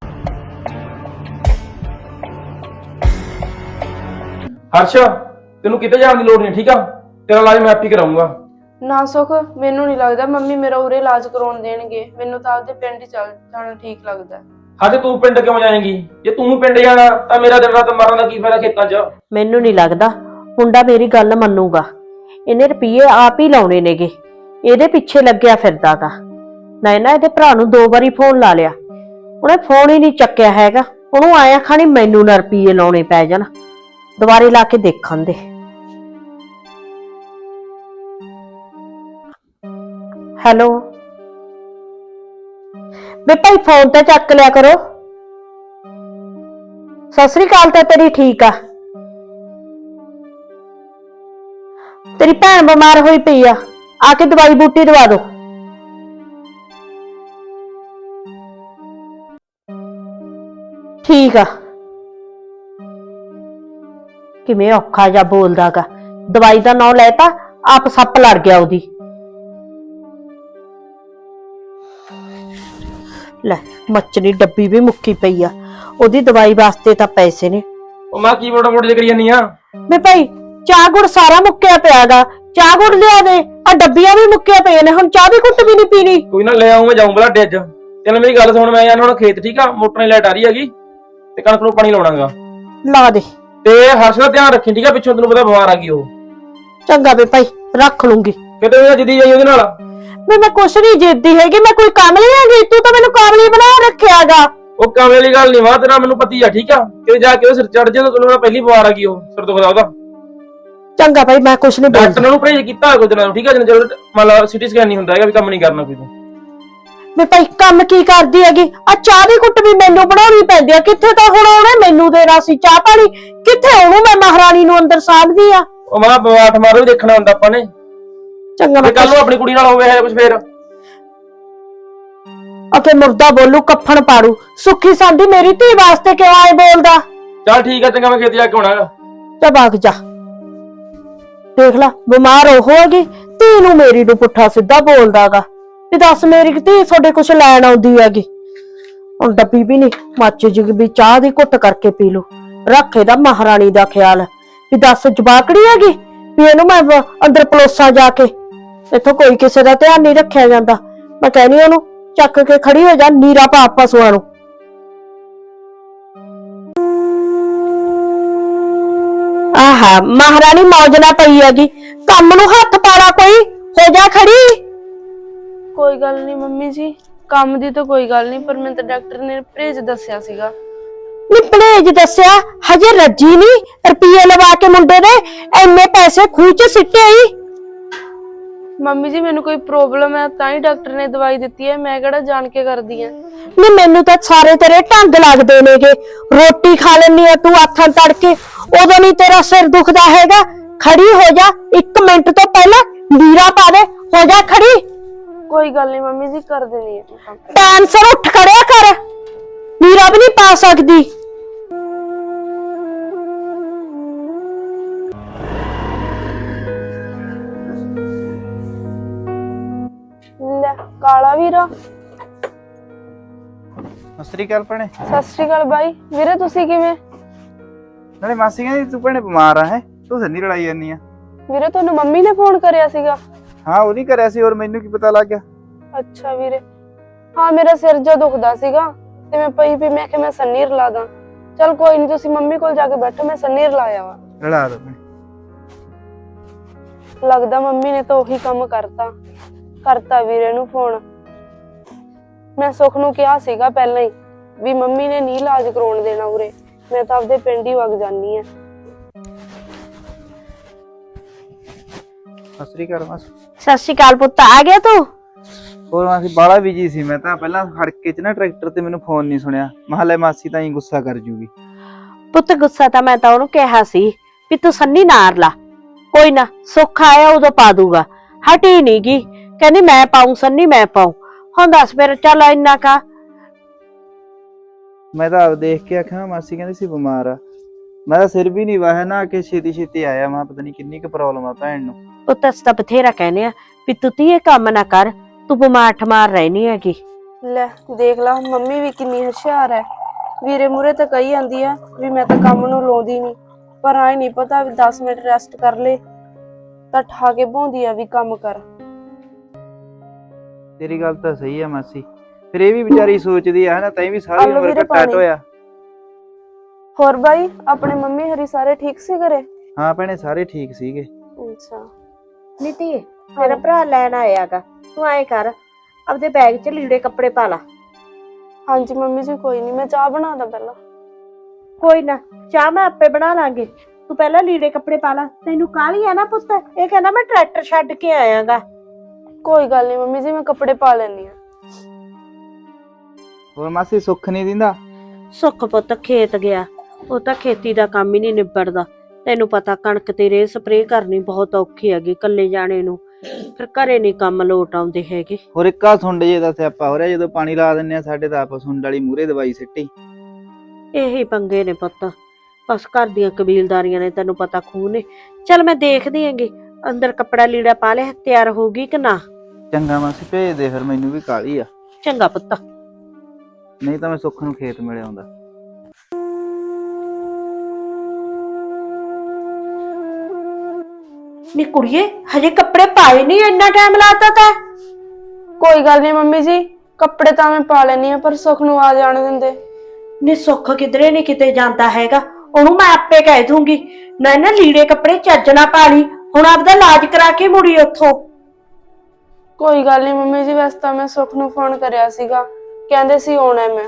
[SPEAKER 2] ਹਰਸ਼ ਤੈਨੂੰ ਕਿਤੇ ਜਾਣ ਦੀ ਲੋੜ ਨਹੀਂ ਠੀਕ ਆ, ਤੇਰਾ ਇਲਾਜ ਮੈਂ ਆਪ ਹੀ ਕਰਾਉਂਗਾ।
[SPEAKER 3] ਨਾ ਸੁਖ, ਮੈਨੂੰ ਨਹੀਂ ਲੱਗਦਾ ਮੰਮੀ ਮੇਰਾ ਉਰੇ ਇਲਾਜ ਕਰਾਉਣ ਦੇਣਗੇ, ਮੈਨੂੰ ਤਾਂ ਆਪਦੇ ਪਿੰਡ ਹੀ ਚੱਲ ਜਾਣਾ ਠੀਕ ਲੱਗਦਾ।
[SPEAKER 2] ਹਜੇ ਤੂੰ ਪਿੰਡ ਕਿਉਂ ਜਾਏਂਗੀ? ਜੇ ਤੂੰ ਪਿੰਡ ਜਾਣਾ ਤਾਂ ਮੇਰਾ ਦਿਨ ਰਾਤ ਮਰਨ ਦਾ ਕੀ ਫਾਇਦਾ ਖੇਤਾਂ 'ਚ।
[SPEAKER 1] ਮੈਨੂੰ ਨਹੀਂ ਲੱਗਦਾ ਮੁੰਡਾ ਮੇਰੀ ਗੱਲ ਮੰਨੂਗਾ, ਇਹਨੇ ਰੁਪਈਏ ਆਪ ਹੀ ਲਾਉਣੇ ਨੇਗੇ, ਇਹਦੇ ਪਿੱਛੇ ਲੱਗਿਆ ਫਿਰਦਾਗਾ। ਨਾ ਇਹਦੇ ਭਰਾ ਨੂੰ 2 ਵਾਰੀ ਫੋਨ ਲਾ ਲਿਆ, ਉਹਨੇ ਫੋਨ ਹੀ ਨਹੀਂ ਚੱਕਿਆ ਹੈਗਾ। ਉਹਨੂੰ ਆਇਆ ਖਾਣੀ ਮੈਨੂੰ ਨਾ ਰੁਪਈਏ ਲਾਉਣੇ ਪੈ ਜਾਣ, ਦੁਬਾਰੇ ਲਾ ਕੇ ਦੇਖਣ ਦੇ। ਹੈਲੋ ਬੇ ਭਾਈ ਫੋਨ ਤੇ ਚੱਕ ਲਿਆ ਕਰੋ। ਸਤਿ ਸ੍ਰੀ ਅਕਾਲ ਤਾਂ ਤੇਰੀ ਠੀਕ ਆ, ਤੇਰੀ ਭੈਣ ਬਿਮਾਰ ਹੋਈ ਪਈ ਆ ਕੇ ਦਵਾਈ ਬੂਟੀ ਦਵਾ ਦੋ। ਠੀਕ ਆ। ਕਿਵੇਂ ਔਖਾ ਜਿਹਾ ਬੋਲਦਾਗਾ, ਦਵਾਈ ਦਾ ਨਾਂ ਲੈਤਾ ਆਪ ਸੱਪ ਲੜ ਗਿਆ ਉਹਦੀ। ਲੈ ਮੱਛਣੀ ਡੱਬੀ ਵੀ ਮੁੱਕੀ ਪਈ ਆ, ਉਹਦੀ ਦਵਾਈ ਵਾਸਤੇ ਤਾਂ ਪੈਸੇ ਨੇ।
[SPEAKER 2] ਉਹ ਮੈਂ ਕੀ ਮੋਟਾ ਮੋਟੀ ਕਰੀ ਜਾਂਦੀ ਆ।
[SPEAKER 1] ਵੇ ਭਾਈ ਚਾਹ ਗੁੜ ਸਾਰਾ ਮੁੱਕਿਆ ਪਿਆਗਾ, ਚਾਹ ਗੁੜ ਲਿਆ ਦੇ, ਆ ਡੱਬੀਆਂ ਵੀ ਮੁੱਕਿਆ ਪਈਆਂ ਨੇ, ਹੁਣ ਚਾਹ ਦੀ ਘੁੱਟ ਵੀ ਨਹੀਂ ਪੀਣੀ।
[SPEAKER 2] ਕੋਈ ਨਾ ਲੈ ਆਉਂ, ਮੈਂ ਜਾਊਂ ਬਲਾਡੇ ਅੱਜ। ਚੱਲ ਮੇਰੀ ਗੱਲ ਸੁਣ, ਮੈਂ ਜਾਣਾ ਹੁਣ ਖੇਤ ਠੀਕ ਆ, ਮੋਟਰ ਦੀ ਲਾਈਟ ਆ ਰਹੀ ਹੈਗੀ ਤੇ ਕਣਕ ਨੂੰ ਪਾਣੀ ਲਾਉਣਾਗਾ।
[SPEAKER 1] ਲਾ ਦੇ।
[SPEAKER 2] ਤੇ ਹਰਸ਼ ਦਾ ਧਿਆਨ ਰੱਖੀ ਠੀਕ ਆ, ਪਿੱਛੋਂ ਤੈਨੂੰ ਪਤਾ ਬਿਮਾਰ ਆ ਗਈ ਉਹ।
[SPEAKER 1] ਚੰਗਾ ਵੇ ਭਾਈ ਰੱਖ ਲੂੰਗੀ।
[SPEAKER 2] ਕਿਤੇ ਉਹ ਜਿੱਦੀ ਜਾਈ ਉਹਦੇ ਨਾਲ।
[SPEAKER 1] ਮੈਂ ਕੁਛ ਨਹੀਂ ਜਿੱਦੀ ਹੈਗੀ, ਮੈਂ ਕੋਈ ਕਾਮਲੀ ਹੈਗੀ, ਤੂੰ ਤਾਂ ਮੈਨੂੰ ਕਾਮਲੀ ਬਣਾ ਰੱਖਿਆਗਾ।
[SPEAKER 2] ਉਹ ਕਾਮੇ ਵਾਲੀ ਗੱਲ ਨਹੀਂ ਵਾ, ਤੇਰਾ ਮੈਨੂੰ ਪਤੀ ਆ ਠੀਕ ਆ, ਕਿ ਜਾ ਕੇ ਉਹ ਸਿਰ ਚੜ ਜਾ, ਤੈਨੂੰ ਪਹਿਲੀ ਬਿਮਾਰ ਆ ਗਈ ਉਹ, ਸਿਰ ਦੁਖਦਾ ਉਹਦਾ।
[SPEAKER 1] ਚੰਗਾ ਭਾਈ ਮੈਂ ਕੁਛ ਨਹੀਂ
[SPEAKER 2] ਡਾਕਟਰ
[SPEAKER 1] ਬੋਲਦਾ।
[SPEAKER 2] ਨੂੰ ਪਰਹੇਜ ਕੀਤਾ ਕੋਈ ਦਿਨਾਂ ਠੀਕ ਆ, ਜਦੋਂ ਮੰਨ ਲਾ ਸਿਟੀ ਸਕੈਨ ਨਹੀਂ ਹੁੰਦਾ ਹੈਗਾ ਵੀ ਕੰਮ ਨਹੀਂ ਕਰਨਾ ਕੋਈ ਤੂੰ।
[SPEAKER 1] ਮੈਂ ਭਾਈ ਕੰਮ ਕੀ ਕਰਦੀ ਹੈਗੀ, ਆ ਚਾਹ ਦੀ ਘੁੱਟ ਵੀ ਮੈਨੂੰ ਬਣਾਉਣੀ ਪੈਂਦੀ ਆ, ਕਿੱਥੇ ਤਾਂ ਹੁਣ ਉਹਨੇ ਮੈਨੂੰ ਦੇਣਾ ਸੀ ਚਾਹ ਪਾਣੀ, ਕਿੱਥੇ ਉਹਨੂੰ ਮੈਂ ਮਹਾਰਾਣੀ ਨੂੰ ਅੰਦਰ ਸਾਂਭਦੀ ਆ।
[SPEAKER 2] ਉਹ ਮਾਂ ਬਵਾਠ ਮਾਰੋ ਵੀ ਦੇਖਣਾ ਹੁੰਦਾ ਆਪਾਂ ਨੇ।
[SPEAKER 1] ਚੰਗਾ ਮੈਂ
[SPEAKER 2] ਕੱਲ ਨੂੰ ਆਪਣੀ ਕੁੜੀ ਨਾਲ ਹੋਵੇ ਹੈ ਕੁਝ ਫੇਰ।
[SPEAKER 1] ਅਕੇ ਮੁਰਦਾ ਬੋਲੂ ਕੱਫਣ ਪਾੜੂ, ਸੁੱਖੀ ਸਾਂਦੀ ਮੇਰੀ ਧੀ ਵਾਸਤੇ ਕਿਉਂ ਆਏ ਬੋਲਦਾ।
[SPEAKER 2] ਚੱਲ ਠੀਕ ਆ, ਚੰਗਾ ਮੈਂ ਖੇਤ ਜਾ ਕੇ ਆਉਣਾ।
[SPEAKER 1] ਜਾ ਬਾਗ ਜਾ, ਦੇਖ ਲਾ ਬਿਮਾਰ ਹੋ ਹੋਗੀ, ਧੀ ਨੂੰ ਮੇਰੀ ਨੂੰ ਪੁੱਠਾ ਸਿੱਧਾ ਬੋਲਦਾਗਾ ਵੀ ਦੱਸ ਮੇਰੀ ਧੀ ਤੁਹਾਡੇ ਕੁਛ ਲੈਣ ਆਉਂਦੀ ਹੈਗੀ। ਹੁਣ ਡੱਬੀ ਵੀ ਨਹੀਂ ਮੱਚ ਜੀ ਵੀ ਚਾਹ ਦੀ ਘੁੱਟ ਕਰਕੇ ਪੀ ਲੋ, ਰੱਖੇ ਦਾ ਮਹਾਰਾਣੀ ਦਾ ਖਿਆਲ ਵੀ ਦੱਸ ਜਵਾਕੜੀ ਹੈਗੀ ਵੀ ਇਹਨੂੰ ਮੈਂ ਅੰਦਰ ਪਲੋਸਾਂ ਜਾ ਕੇ। ਇੱਥੋਂ ਕੋਈ ਕਿਸੇ ਦਾ ਧਿਆਨ ਨਹੀਂ ਰੱਖਿਆ ਜਾਂਦਾ। ਮੈਂ ਕਹਿੰਦੀ ਉਹਨੂੰ ਚੱਕ ਕੇ ਖੜੀ ਹੋ ਜਾ, ਨੀਰਾ ਪਾ ਪਸ਼ੂਆਂ ਨੂੰ। ਆਹਾ ਮਹਾਰਾਣੀ ਮੌਜ ਨਾਲ ਪਈ ਹੈਗੀ, ਕੰਮ ਨੂੰ ਹੱਥ ਪਾਲਾ, ਕੋਈ ਹੋ ਜਾ ਖੜੀ।
[SPEAKER 3] ਕੋਈ ਗੱਲ ਨਹੀਂ ਮੰਮੀ ਜੀ, ਕੰਮ ਦੀ ਤਾਂ ਕੋਈ ਗੱਲ ਨਹੀਂ, ਪਰ ਮੈਨੂੰ ਤਾਂ ਡਾਕਟਰ ਨੇ ਪਰਹੇਜ਼ ਦੱਸਿਆ ਸੀਗਾ।
[SPEAKER 1] ਨੀ ਪਲੇਜ ਦੱਸਿਆ, ਹਜੇ ਰੱਜੀ ਨਹੀਂ, ਰੁਪਈਏ ਲਵਾ ਕੇ ਮੁੰਡੇ ਦੇ ਇੰਨੇ ਪੈਸੇ ਖੂਹ ਚ ਸਿੱਟੇ ਹੀ।
[SPEAKER 3] ਮੰਮੀ ਜੀ ਮੈਨੂੰ ਕੋਈ ਪ੍ਰੋਬਲਮ ਹੈ ਤਾਂ ਹੀ ਡਾਕਟਰ ਨੇ ਦਵਾਈ ਦਿੱਤੀ ਹੈ, ਮੈਂ ਕਿਹੜਾ ਜਾਣ ਕੇ ਕਰਦੀ ਆ।
[SPEAKER 1] ਨੀ ਮੈਨੂੰ ਤਾਂ ਸਾਰੇ ਤੇਰੇ ਢੰਗ ਲੱਗਦੇ ਨੇਗੇ। ਰੋਟੀ ਖਾ ਲੈਣੀ ਆ ਤੂੰ ਆਥਣ ਤੜਕੇ, ਉਦੋਂ ਨਹੀਂ ਤੇਰਾ ਸਿਰ ਦੁਖਦਾ ਹੈਗਾ। ਖੜੀ ਹੋ ਜਾ, 1 ਮਿੰਟ ਤੋਂ ਪਹਿਲਾਂ ਨੀਰਾ ਪਾ ਦੇ, ਹੋ ਜਾ ਖੜੀ।
[SPEAKER 3] ਕੋਈ ਗੱਲ ਨਹੀਂ ਮੰਮੀ ਜੀ, ਕਰ ਦੇਣੀ ਹੈ ਕੰਮ।
[SPEAKER 1] ਟਾਈਮ ਸਿਰ ਉੱਠ ਖੜਿਆ ਕਰ, ਨੀਰਾ ਵੀ ਨਹੀਂ ਪਾ ਸਕਦੀ।
[SPEAKER 3] ਲੈ ਕਾਲਾ ਵੀਰਾ।
[SPEAKER 6] ਸਤਿ ਸ੍ਰੀ ਅਕਾਲ ਭੈਣੇ।
[SPEAKER 3] ਸਤਿ ਸ਼੍ਰੀ ਅਕਾਲ ਬਾਈ। ਵੀਰੇ ਤੁਸੀਂ ਕਿਵੇਂ?
[SPEAKER 6] ਨਾਲੇ ਮਾਸੀ ਕਹਿੰਦੀ ਤੂੰ ਭੈਣੇ ਬਿਮਾਰ ਆ, ਹੈ ਤੂੰ ਸੰਨੀ ਲੜਾਈ ਜਾਂਦੀ ਆ।
[SPEAKER 3] ਵੀਰੇ ਤੁਹਾਨੂੰ ਮੰਮੀ ਨੇ ਫੋਨ ਕਰਿਆ ਸੀਗਾ?
[SPEAKER 6] ਹਾਂ ਉਹਦੀ ਕਰਿਆ ਸੀ, ਔਰ ਮੈਨੂੰ ਕੀ ਪਤਾ ਲੱਗ ਗਿਆ।
[SPEAKER 3] ਅੱਛਾ ਵੀਰੇ, ਹਾਂ ਮੇਰਾ ਸਿਰ ਜਿਹਾ ਦੁਖਦਾ ਸੀਗਾ ਤੇ ਮੈਂ ਪਈ ਵੀ ਮੈਂ ਕਿਹਾ ਮੈਂ ਸੰਨੀ ਰਲਾ ਦਾਂ। ਚਲ ਕੋਈ ਨਹੀਂ, ਤੁਸੀਂ ਮੰਮੀ ਕੋਲ ਜਾ ਕੇ ਬੈਠੋ, ਮੈਂ ਸੰਨੀ ਰਲਾਇਆ ਵਾ।
[SPEAKER 6] ਲੜਾ ਦੋ ਭੈਣੇ।
[SPEAKER 3] ਲੱਗਦਾ ਮੰਮੀ ਨੇ ਤਾਂ ਉਹੀ ਕੰਮ ਕਰਤਾ ਵੀਰੇ ਨੂੰ ਫੋਨ। ਮੈਂ ਸੁਖ ਨੂੰ ਕਿਹਾ ਸੀਗਾ ਪਹਿਲਾਂ ਹੀ ਵੀ ਮੰਮੀ ਨੇ ਨਹੀਂ ਇਲਾਜ ਕਰਾਉਣ ਦੇਣਾ ਉਰੇ, ਮੈਂ ਤਾਂ ਆਪਦੇ ਪਿੰਡ ਹੀ ਵਗ ਜਾਨੀ ਆ।
[SPEAKER 6] ਸਤਿ ਸ੍ਰੀ ਅਕਾਲ ਮਾਸੀ।
[SPEAKER 1] ਸਤਿ ਸ਼੍ਰੀ ਅਕਾਲ ਪੁੱਤ, ਆ ਗਿਆ ਤੂੰ?
[SPEAKER 6] ਹੋਰ ਮਾਸੀ ਬਾਲਾ ਬਿਜੀ ਸੀ ਮੈਂ ਤਾਂ, ਪਹਿਲਾਂ ਖੜਕੇ ਚ ਨਾ ਟਰੈਕਟਰ ਤੇ ਮੈਨੂੰ ਫੋਨ ਨਹੀਂ ਸੁਣਿਆ। ਮਹਲੇ ਮਾਸੀ ਤਾਂ ਹੀ ਗੁੱਸਾ ਕਰ ਜੂਗੀ।
[SPEAKER 1] ਪੁੱਤ ਗੁੱਸਾ ਤਾਂ ਮੈਂ ਤਾਂ ਉਹਨੂੰ ਕਿਹਾ ਸੀ ਵੀ ਤੂੰ ਸੰਨੀ ਨਾਰ ਲਾ, ਕੋਈ ਨਾ ਸੁੱਖ ਆਇਆ ਉਦੋਂ ਪਾ ਦੂਗਾ। ਹਟੀ ਨੀ ਗੀ, ਕਹਿੰਦੀ ਮੈਂ ਪਾਉਂ ਸੰਨੀ, ਮੈਂ ਪਾਉਂ। ਹੁਣ ਦੱਸ ਫਿਰ, ਚੱਲ ਇੰਨਾ ਕਾ।
[SPEAKER 6] ਮੈਂ ਤਾਂ ਆਪ ਦੇਖ ਕੇ ਆਖਿਆ ਮਾਸੀ ਕਹਿੰਦੀ ਸੀ ਬਿਮਾਰ ਆ। ਮੈਂ ਤਾਂ ਸਿਰ ਵੀ ਨਹੀਂ ਵਾਹਿਆ ਨਾ ਕਿ ਛੇਤੀ ਆਇਆ। ਮੈਂ ਪਤਾ ਨਹੀਂ ਕਿੰਨੀ ਕੁ ਪ੍ਰੋਬਲਮ ਆ ਭੈਣ ਨੂੰ।
[SPEAKER 1] ਪੁੱਤ ਅਸੀਂ ਤਾਂ ਬਥੇਰਾ ਕਹਿੰਦੇ ਆ ਵੀ ਤੂੰ ਇਹ ਕੰਮ ਨਾ ਕਰ, ਤੂੰ ਬਿਮਾਰ ਠਮਾਰ ਰਹਿਣੀ ਹੈਗੀ।
[SPEAKER 3] ਲੈ ਦੇਖ ਲਾ, ਮੰਮੀ ਵੀ ਕਿੰਨੀ ਹੁਸ਼ਿਆਰ ਹੈ। ਵੀਰੇ ਮੂਰੇ ਤਾਂ ਕਹੀ ਜਾਂਦੀ ਆ ਵੀ ਮੈਂ ਤਾਂ ਕੰਮ ਨੂੰ ਲਾਉਂਦੀ ਨਹੀਂ, ਪਰ ਆਏ ਨਹੀਂ ਪਤਾ ਵੀ 10 ਮਿੰਟ ਰੈਸਟ ਕਰ ਲੈ ਤਾਂ ਠਾ ਕੇ ਭੌਂਦੀ ਆ ਵੀ ਕੰਮ ਕਰ।
[SPEAKER 6] ਤੇਰੀ ਗੱਲ ਤਾਂ ਸਹੀ ਆ ਮਾਸੀ, ਫਿਰ ਇਹ ਵੀ ਵਿਚਾਰੀ ਸੋਚਦੀ ਆ ਨਾ, ਤੈਂ ਵੀ ਸਾਰੀ
[SPEAKER 3] ਆਲੂ
[SPEAKER 6] ਉਮਰ
[SPEAKER 3] ਵੀਰੇ
[SPEAKER 6] ਘੱਟਾ
[SPEAKER 3] ਪਾਣੀ।
[SPEAKER 6] ਢੋਇਆ।
[SPEAKER 3] ਹੋਰ ਬਾਈ, ਆਪਣੇ ਮੰਮੀ ਹਰੀ ਸਾਰੇ ਠੀਕ ਸੀ ਘਰੇ?
[SPEAKER 6] ਹਾਂ ਭੈਣੇ ਸਾਰੇ ਠੀਕ ਸੀਗੇ।
[SPEAKER 3] ਅੱਛਾ
[SPEAKER 1] ਨੀਤੀ ਤੇਰਾ ਭਰਾ ਲੈਣ ਆਇਆਗਾ, ਤੂੰ ਐ ਕਰ ਆਪਦੇ ਬੈਗ 'ਚ ਲੀੜੇ ਕੱਪੜੇ ਪਾ ਲਾ।
[SPEAKER 3] ਹਾਂਜੀ ਮੰਮੀ ਜੀ, ਕੋਈ ਨਹੀਂ, ਮੈਂ ਚਾਹ ਬਣਾਦਾ ਪਹਿਲਾਂ।
[SPEAKER 1] ਕੋਈ ਨਾ, ਚਾਹ ਮੈਂ ਆਪੇ ਬਣਾ ਲਾਂਗੇ, ਤੂੰ ਪਹਿਲਾਂ ਲੀੜੇ ਕੱਪੜੇ ਪਾ ਲਾ। ਤੈਨੂੰ ਕਾਹਲੀ ਆ ਨਾ ਪੁੱਤ, ਇਹ ਕਹਿੰਦਾ ਮੈਂ ਟਰੈਕਟਰ ਛੱਡ ਕੇ ਆਇਆਗਾ।
[SPEAKER 3] ਕੋਈ ਗੱਲ ਨਹੀਂ ਮੰਮੀ ਜੀ, ਮੈਂ ਕੱਪੜੇ ਪਾ ਲੈਣੀ ਆ।
[SPEAKER 6] ਹੋਰ ਮਾਸੀ ਸੁੱਖ ਨਹੀਂ ਦਿੰਦਾ?
[SPEAKER 1] ਸੁੱਖ ਪੁੱਤ ਖੇਤ ਗਿਆ, ਉਹ ਤਾਂ ਖੇਤੀ ਦਾ ਕੰਮ ਹੀ ਨਹੀਂ ਨਿਬੜਦਾ। ਤੈਨੂੰ ਪਤਾ ਕਣਕ ਤੇ ਰੇ ਸਪਰੇਅ ਕਰਨੀ ਬਹੁਤ ਔਖੀ ਹੈਗੀ ਇਕੱਲੇ ਜਾਣੇ ਨੂੰ, ਫਿਰ ਘਰੇ ਨਹੀਂ ਕੰਮ ਲੋਟ ਆਉਂਦੇ ਹੈਗੇ।
[SPEAKER 6] ਹੋਰ ਇੱਕਾ ਸੁੰਡ ਜੇ ਦਾ ਸਿਆਪਾ ਹੋ ਰਿਹਾ, ਜਦੋਂ ਪਾਣੀ ਲਾ ਦਿੰਨੇ ਆ ਸਾਡੇ ਤਾਂ ਆਪ ਸੁੰਡ ਵਾਲੀ ਮੂਹਰੇ ਦਵਾਈ ਸਿੱਟੀ।
[SPEAKER 1] ਇਹੀ ਪੰਗੇ ਨੇ ਪੁੱਤ, ਬਸ ਘਰ ਦੀਆਂ ਕਬੀਲਦਾਰੀਆਂ ਨੇ, ਤੈਨੂੰ ਪਤਾ ਖੂਹ ਨੇ। ਚੱਲ ਮੈਂ ਦੇਖਦੀ ਹੈਗੀ, ਅੰਦਰ ਕੱਪੜਾ ਲੀੜਾ ਪਾ ਲਿਆ, ਤਿਆਰ ਹੋਊਗੀ ਕਿ ਨਾ?
[SPEAKER 6] ਚੰਗਾ ਮਾਸੀ ਭੇਜ ਦੇ, ਫਿਰ ਮੈਨੂੰ ਵੀ ਕਾਹਲੀ ਆ।
[SPEAKER 1] ਚੰਗਾ ਪੁੱਤ।
[SPEAKER 6] ਨਹੀਂ ਤਾਂ ਮੈਂ ਸੁੱਖ ਨੂੰ ਖੇਤ ਮਿਲ ਆਉਂਦਾ।
[SPEAKER 1] ਨੀ ਕੁੜੀਏ, ਹਜੇ ਕੱਪੜੇ ਪਾਏ ਨਹੀਂ, ਇੰਨਾ ਟਾਈਮ ਲਾਤਾ ਤਾ।
[SPEAKER 3] ਕੋਈ ਗੱਲ ਨਹੀਂ ਮੰਮੀ ਜੀ, ਕੱਪੜੇ ਤਾਂ ਮੈਂ ਪਾ ਲੈਣੀ ਆ, ਪਰ ਸੁਖ ਨੂੰ ਆ ਜਾਣ ਦਿੰਦੇ।
[SPEAKER 1] ਨੀ ਸੁੱਖ ਕਿਧਰੇ ਨਹੀਂ ਕਿਤੇ ਜਾਂਦਾ ਹੈਗਾ, ਉਹਨੂੰ ਮੈਂ ਆਪੇ ਕਹਿ ਦੂੰਗੀ। ਨਾ ਲੀੜੇ ਕੱਪੜੇ ਚੱਜ ਨਾ ਪਾ ਲਈ, ਹੁਣ ਆਪਦਾ ਇਲਾਜ ਕਰਾ ਕੇ ਮੁੜੀ ਉੱਥੋਂ।
[SPEAKER 3] ਕੋਈ ਗੱਲ ਨਹੀਂ ਮੰਮੀ ਜੀ, ਵੈਸੇ ਤਾਂ ਮੈਂ ਸੁਖ ਨੂੰ ਫੋਨ ਕਰਿਆ ਸੀਗਾ, ਕਹਿੰਦੇ ਸੀ ਆਉਣਾ ਮੈਂ।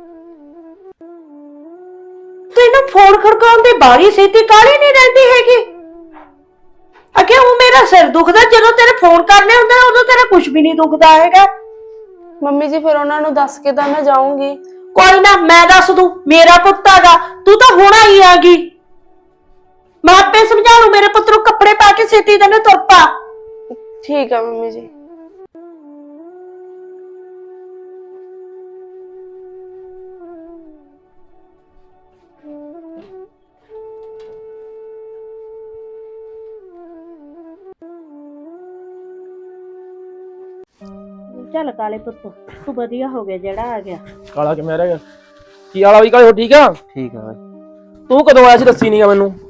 [SPEAKER 1] ਤੈਨੂੰ ਫੋਨ ਖੜਕਾਉਣ ਦੀ ਬਾਰੀ ਸੀਤੀ ਕਾਹਲੀ ਨਹੀਂ ਰਹਿੰਦੀ ਹੈਗੀ। ਅਗੇ ਉਹ ਮੇਰਾ ਸਿਰ ਦੁਖਦਾ, ਜਦੋਂ ਤੇਰੇ ਫੋਨ ਕਰਨੇ ਹੁੰਦੇ ਉਦੋਂ ਤੇਰਾ ਕੁਝ ਵੀ ਨਹੀਂ ਦੁਖਦਾ ਹੈਗਾ।
[SPEAKER 3] ਮੰਮੀ ਜੀ ਫਿਰ ਉਹਨਾਂ ਨੂੰ ਦੱਸ ਕੇ ਤਾਂ ਮੈਂ ਜਾਊਂਗੀ।
[SPEAKER 1] ਕੋਈ ਨਾ, ਮੈਂ ਦੱਸ ਦੂੰ, ਮੇਰਾ ਪੁੱਤ ਹੈਗਾ, ਤੂੰ ਤਾਂ ਹੁਣ ਆਈ ਆਗੀ। ਮੈਂ ਆਪੇ ਸਮਝਾ ਲੂ ਮੇਰੇ ਪੁੱਤ ਨੂੰ, ਕੱਪੜੇ ਪਾ ਕੇ ਛੇਤੀ ਤੈਨੂੰ ਤੁਰ ਪਾ।
[SPEAKER 3] ਠੀਕ ਹੈ ਮੰਮੀ ਜੀ।
[SPEAKER 1] ਚੱਲ ਕਾਲੇ ਪੁੱਤ, ਤੂੰ ਵਧੀਆ ਹੋ ਗਿਆ ਜਿਹੜਾ ਆ ਗਿਆ।
[SPEAKER 2] ਕਾਲਾ ਕਿਵੇਂ ਰਹਿ ਗਿਆ? ਕੀ ਵਾਲਾ ਵੀ ਕਾਲੇ, ਹੋ ਠੀਕ ਆ?
[SPEAKER 6] ਠੀਕ ਆ ਬਾਈ।
[SPEAKER 2] ਤੂੰ ਕਦੋਂ ਆਇਆ ਸੀ, ਦੱਸੀ ਨਹੀਂਗਾ ਮੈਨੂੰ।